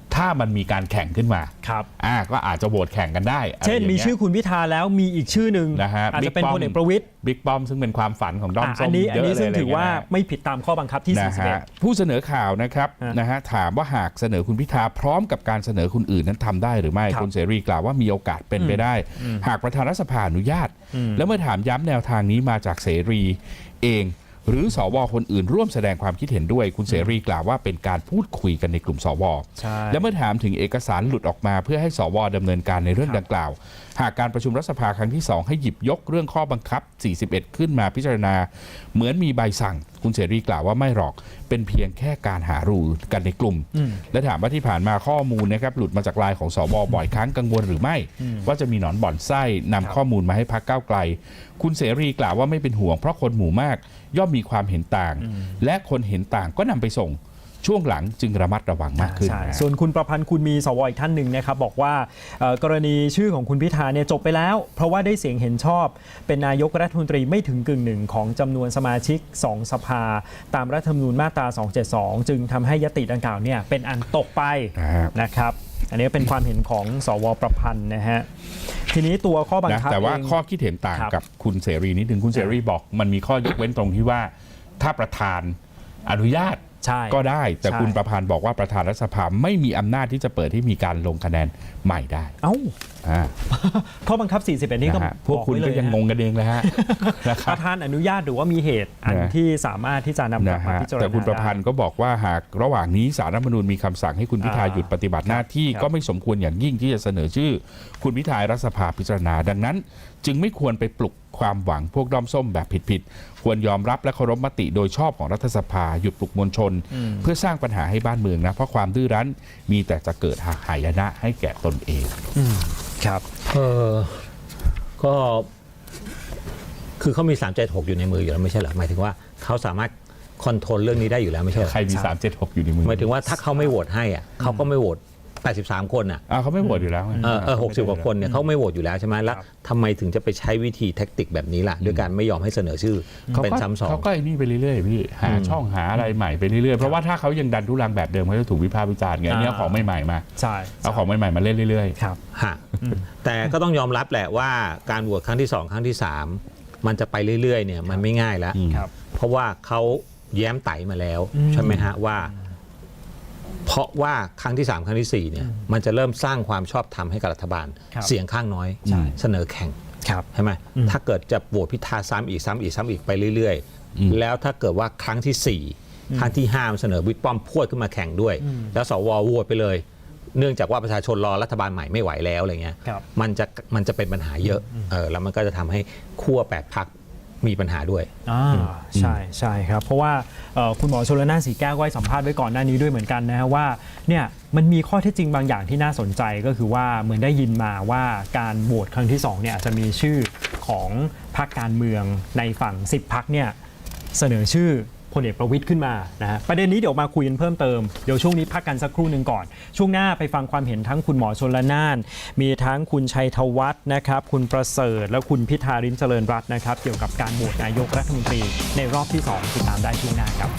Speaker 3: ถ้ามันมีการแข่งขึ้นมา
Speaker 1: ครับ
Speaker 3: อ่าก็อาจจะโหวตแข่งกันได้ะไร
Speaker 1: เช่น
Speaker 3: ย่าง
Speaker 1: มี
Speaker 3: งี้ย
Speaker 1: ชื่อคุณพิธาแล้วมีอีกชื่อหนึ่ง
Speaker 3: นะฮะ
Speaker 1: อาจจะเป็น
Speaker 3: บิ๊กป้อม
Speaker 1: พลเอกประวิตร
Speaker 3: บิ๊กป้อมซึ่งเป็นความฝันของด้อม
Speaker 1: อ่ะ
Speaker 3: ส้
Speaker 1: อั
Speaker 3: ม
Speaker 1: นนี้
Speaker 3: เย
Speaker 1: อัน
Speaker 3: อะ
Speaker 1: นี้
Speaker 3: เลย
Speaker 1: ซึ่ง
Speaker 3: อะไร
Speaker 1: ถือว่า
Speaker 3: เงี้ย
Speaker 1: ไม่ผิดตามข้อบังคับที่
Speaker 3: นะ
Speaker 1: สี่สิบเอ็ด
Speaker 3: ฮะผู้เสนอข่าวนะครับ
Speaker 1: ฮะ
Speaker 3: นะฮะถามว่าหากเสนอคุณพิธาพร้อมกับการเสนอคนอื่นนั้นทำได้หรือไม่
Speaker 1: ครับ
Speaker 3: คุณเสรีกล่าวว่ามีโอกาสเป็นไปได้ หากประธานรัฐสภาอนุญาต แล้วเมื่อถามย้ำแนวทางนี้มาจากเสรีเอง หรือสวคนอื่นร่วมแสดงความคิดเห็นด้วย คุณเสรีกล่าวว่าเป็นการพูดคุยกันในกลุ่มสว
Speaker 1: ใช่
Speaker 3: และเมื่อถามถึงเอกสารหลุดออกมาเพื่อให้สวดำเนินการในเรื่องดังกล่าว หากการประชุมรัฐสภาครั้งที่สองให้หยิบยกเรื่องข้อบังคับสี่สิบเอ็ดขึ้นมาพิจารณา เหมือนมีใบสั่ง คุณเสรีกล่าวว่าไม่หรอกเป็นเพียงแค่การหารือกันในกลุ่ม และถามว่าที่ผ่านมาข้อมูลนะครับหลุดมาจากไลน์ของสวบ่อยครั้งกังวลหรือไม่ ว่าจะมีหนอนบ่อนไส้นำข้อมูลมาให้พรรคก้าวไกล คุณเสรีกล่าวว่าไม่เป็นห่วงเพราะคนหมู่มากย่อมมีความเห็นต่าง และคนเห็นต่างก็นำไปส่งช่วงหลังจึงระมัดระวังมากขึ้น
Speaker 1: ใช่
Speaker 3: นะ
Speaker 1: ส่วนคุณประพันธ์คุณมีสวอีกท่านหนึ่งนะครับบอกว่าเอ่อกรณีชื่อของคุณพิธาเนี่ยจบไปแล้ว เพราะว่าได้เสียงเห็นชอบ เป็นนายกรัฐมนตรีไม่ถึงกึ่งหนึ่งของจำนวนสมาชิกสองสภา ตามรัฐธรรมนูญมาตราสองเจ็ดสองจึงทำให้ยติดังกล่าวเนี่ยเป็นอันตกไป
Speaker 3: นะครับ
Speaker 1: นะครับ อันนี้เป็นความเห็นของสวประพันธ์นะฮะทีนี้ตัวข้อบัง
Speaker 3: นะ
Speaker 1: คับ
Speaker 3: แต่ว่า
Speaker 1: เอง
Speaker 3: ข้อคิดเห็นต่าง
Speaker 1: ครับ
Speaker 3: กับคุณเสรีนิดนึงคุณเสรีบอกมันมีข้อยกเว้นตรงที่ว่าถ้าประธานอนุญาต
Speaker 1: ใช่
Speaker 3: ก็ได้ แต่
Speaker 1: ใช่
Speaker 3: คุณประพันธ์บอกว่าประธานรัฐสภาไม่มีอำนาจที่จะเปิดให้มีการลงคะแนนใหม่ได้
Speaker 1: เอ้า
Speaker 3: อ่า
Speaker 1: ข้อบังคับสี่สิบเอ็ดนี่ก็
Speaker 3: นะฮะพวก
Speaker 1: บอก
Speaker 3: คุณ
Speaker 1: ไเล
Speaker 3: ก็ยัง
Speaker 1: นะ
Speaker 3: งงกันเองเลยฮะ นะค
Speaker 1: ป
Speaker 3: รับ
Speaker 1: ระธานอนุญาตหรือว่ามีเหตุอัน
Speaker 3: นะ
Speaker 1: ที่สามารถที่จะนำกลับ
Speaker 3: นะ
Speaker 1: มา
Speaker 3: ฮะ
Speaker 1: พิจารณา
Speaker 3: แต่คุณประพัน
Speaker 1: ได้
Speaker 3: ธ์ก็บอกว่าหากระหว่างนี้ศาลรัฐธรรมนูญมีคำสั่งให้คุณพิธา
Speaker 1: อ่า
Speaker 3: หยุดปฏิบัติหน้าที่
Speaker 1: ครับ
Speaker 3: ก็ไม่สมควรอย่างยิ่งที่จะเสนอชื่อ คุณพิธาให้รัฐสภาพิจารณา ดังนั้น จึงไม่ควรไปปลุกความหวังพวกด้อมส้มแบบผิดๆควรยอมรับและเคารพมติโดยชอบของรัฐสภาหยุดปลุกมวลชน เพื่อสร้างปัญหาให้บ้านเมืองนะเพราะความดื้อรั้นมีแต่จะเกิดหายนะให้แก่ตนเอง
Speaker 1: ครับ
Speaker 2: เออก็คือเขามีสามเจ็ดหกอยู่ในมืออยู่แล้วไม่ใช่เหรอหมายถึงว่าเขาสามารถคอนโทรลเรื่องนี้ได้อยู่แล้วไม่ใช่เหรอ
Speaker 3: ใครมี
Speaker 1: ใช่
Speaker 3: สามเจ็ดหกอยู่ในมือ
Speaker 2: หมายถึงว่าถ้าเขาไม่โหวตให้อ่ะเขาก็ไม่โหวตแปดสิบสามคนอ่ะ
Speaker 3: อ่าเขาไม่โหวตอยู่แล้วไง
Speaker 2: เออเออหกสิบกว่าคนเนี่ยเขาไม่โหวตอยู่แล้วใช่ไหมแล้วทำไมถึงจะไปใช้วิธีแท็กติกแบบนี้ล่ะด้วยการไม่ยอมให้เสนอชื่อ
Speaker 3: เขา
Speaker 2: เป็น
Speaker 3: ก็
Speaker 2: ซ้ำสอง
Speaker 3: เขาก็ไอ้นี่ไปเรื่อยๆพี่หาช่องหาอะไรใหม่ไปเรื่อยๆเพราะว่าถ้าเขายังดันทุรังแบบเดิมเขาจะถูกวิพากษ์วิจารณ์ไงอันนี้เอาของใหม่ๆมา
Speaker 1: ใช่
Speaker 3: เอาของใหม่ๆมาเล่นเรื่อย
Speaker 1: ครับ
Speaker 2: ฮะแต่ก็ต้องยอมรับแหละว่าการโหวตครั้งที่สองครั้งที่สามมันจะไปเรื่อยๆเนี่ยมันไม่ง่ายแล้ว
Speaker 1: ครับ
Speaker 2: เพราะว่าเขาแย้มไต่มาแล้ว
Speaker 1: อืม
Speaker 2: ใช่ไหมฮะว่า เพราะว่าครั้งที่สามครั้งที่สี่เนี่ยมันจะเริ่มสร้างความชอบธรรมให้กับรัฐบาล
Speaker 1: ครับ
Speaker 2: เสียงข้างน้อย
Speaker 1: ใช่
Speaker 2: เสนอแข่ง
Speaker 1: ครับ
Speaker 2: ใช่ไหม
Speaker 1: อืม
Speaker 2: ถ้าเกิดจะโหวตพิธาซ้ำอีกซ้ำอีกซ้ำอีกไปเรื่อย
Speaker 3: อืม
Speaker 2: ๆ แล้วถ้าเกิดว่าครั้งที่สี่ครั้งที่ห้ามันเสนอบิ๊กป้อมพวดขึ้นมาแข่งด้วย แล้วสวโหวตไปเลย เนื่องจากว่าประชาชนรอรัฐบาลใหม่ไม่ไหวแล้วอะไรเงี้ย
Speaker 1: ครับ
Speaker 2: มันจะมันจะเป็นปัญหาเยอะเออแล้วมันก็จะทำให้ขั้วแปดพรรคมีปัญหาด้วย
Speaker 1: อ่าใช่ใช่ครับ เพราะว่าเอ่อคุณหมอชลน่านสีแก้วก็ให้สัมภาษณ์ไว้ก่อนหน้านี้ด้วยเหมือนกันนะฮะว่าเนี่ยมันมีข้อเท็จจริงบางอย่างที่น่าสนใจก็คือว่าเหมือนได้ยินมาว่าการโหวตครั้งที่สองเนี่ยอาจจะมีชื่อของพรรคการเมืองในฝั่งสิบพรรคเนี่ยเสนอชื่อพลเอกประวิตรขึ้นมานะฮะประเด็นนี้เดี๋ยวมาคุยกันเพิ่มเติมเดี๋ยวช่วงนี้พักกันสักครู่หนึ่งก่อน ช่วงหน้าไปฟังความเห็นทั้งคุณหมอชลน่าน มีทั้งคุณชัยธวัฒน์นะครับคุณประเสริฐและคุณพิธาริมเจริญรัตน์นะครับเกี่ยวกับการโหวตนายกรัฐมนตรีในรอบที่สองติดตามได้ช่วงหน้าครับ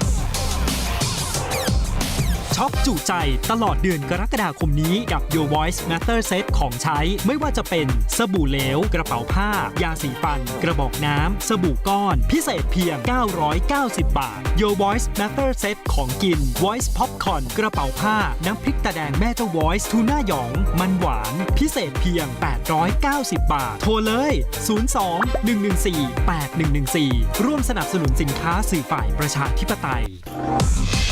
Speaker 1: ช็อปจุใจตลอดเดือนกรกฎาคมนี้กับ Your Voice Matter Set ของใช้ไม่ว่าจะเป็นสบู่เหลวกระเป๋าผ้ายาสีฟัน กระบอกน้ำสบู่ก้อนพิเศษเพียง เก้าร้อยเก้าสิบ บาท Your Voice Matter Set ของกิน Voice Popcorn กระเป๋าผ้าน้ำพริกตาแดงแม่เจ้า Voice ทูน่าหยองมันหวานพิเศษเพียง แปดร้อยเก้าสิบ บาท โทรเลย ศูนย์ สอง หนึ่ง หนึ่ง สี่ แปด หนึ่ง หนึ่ง สี่ ร่วมสนับสนุนสินค้าสื่อฝ่ายประชาธิปไตย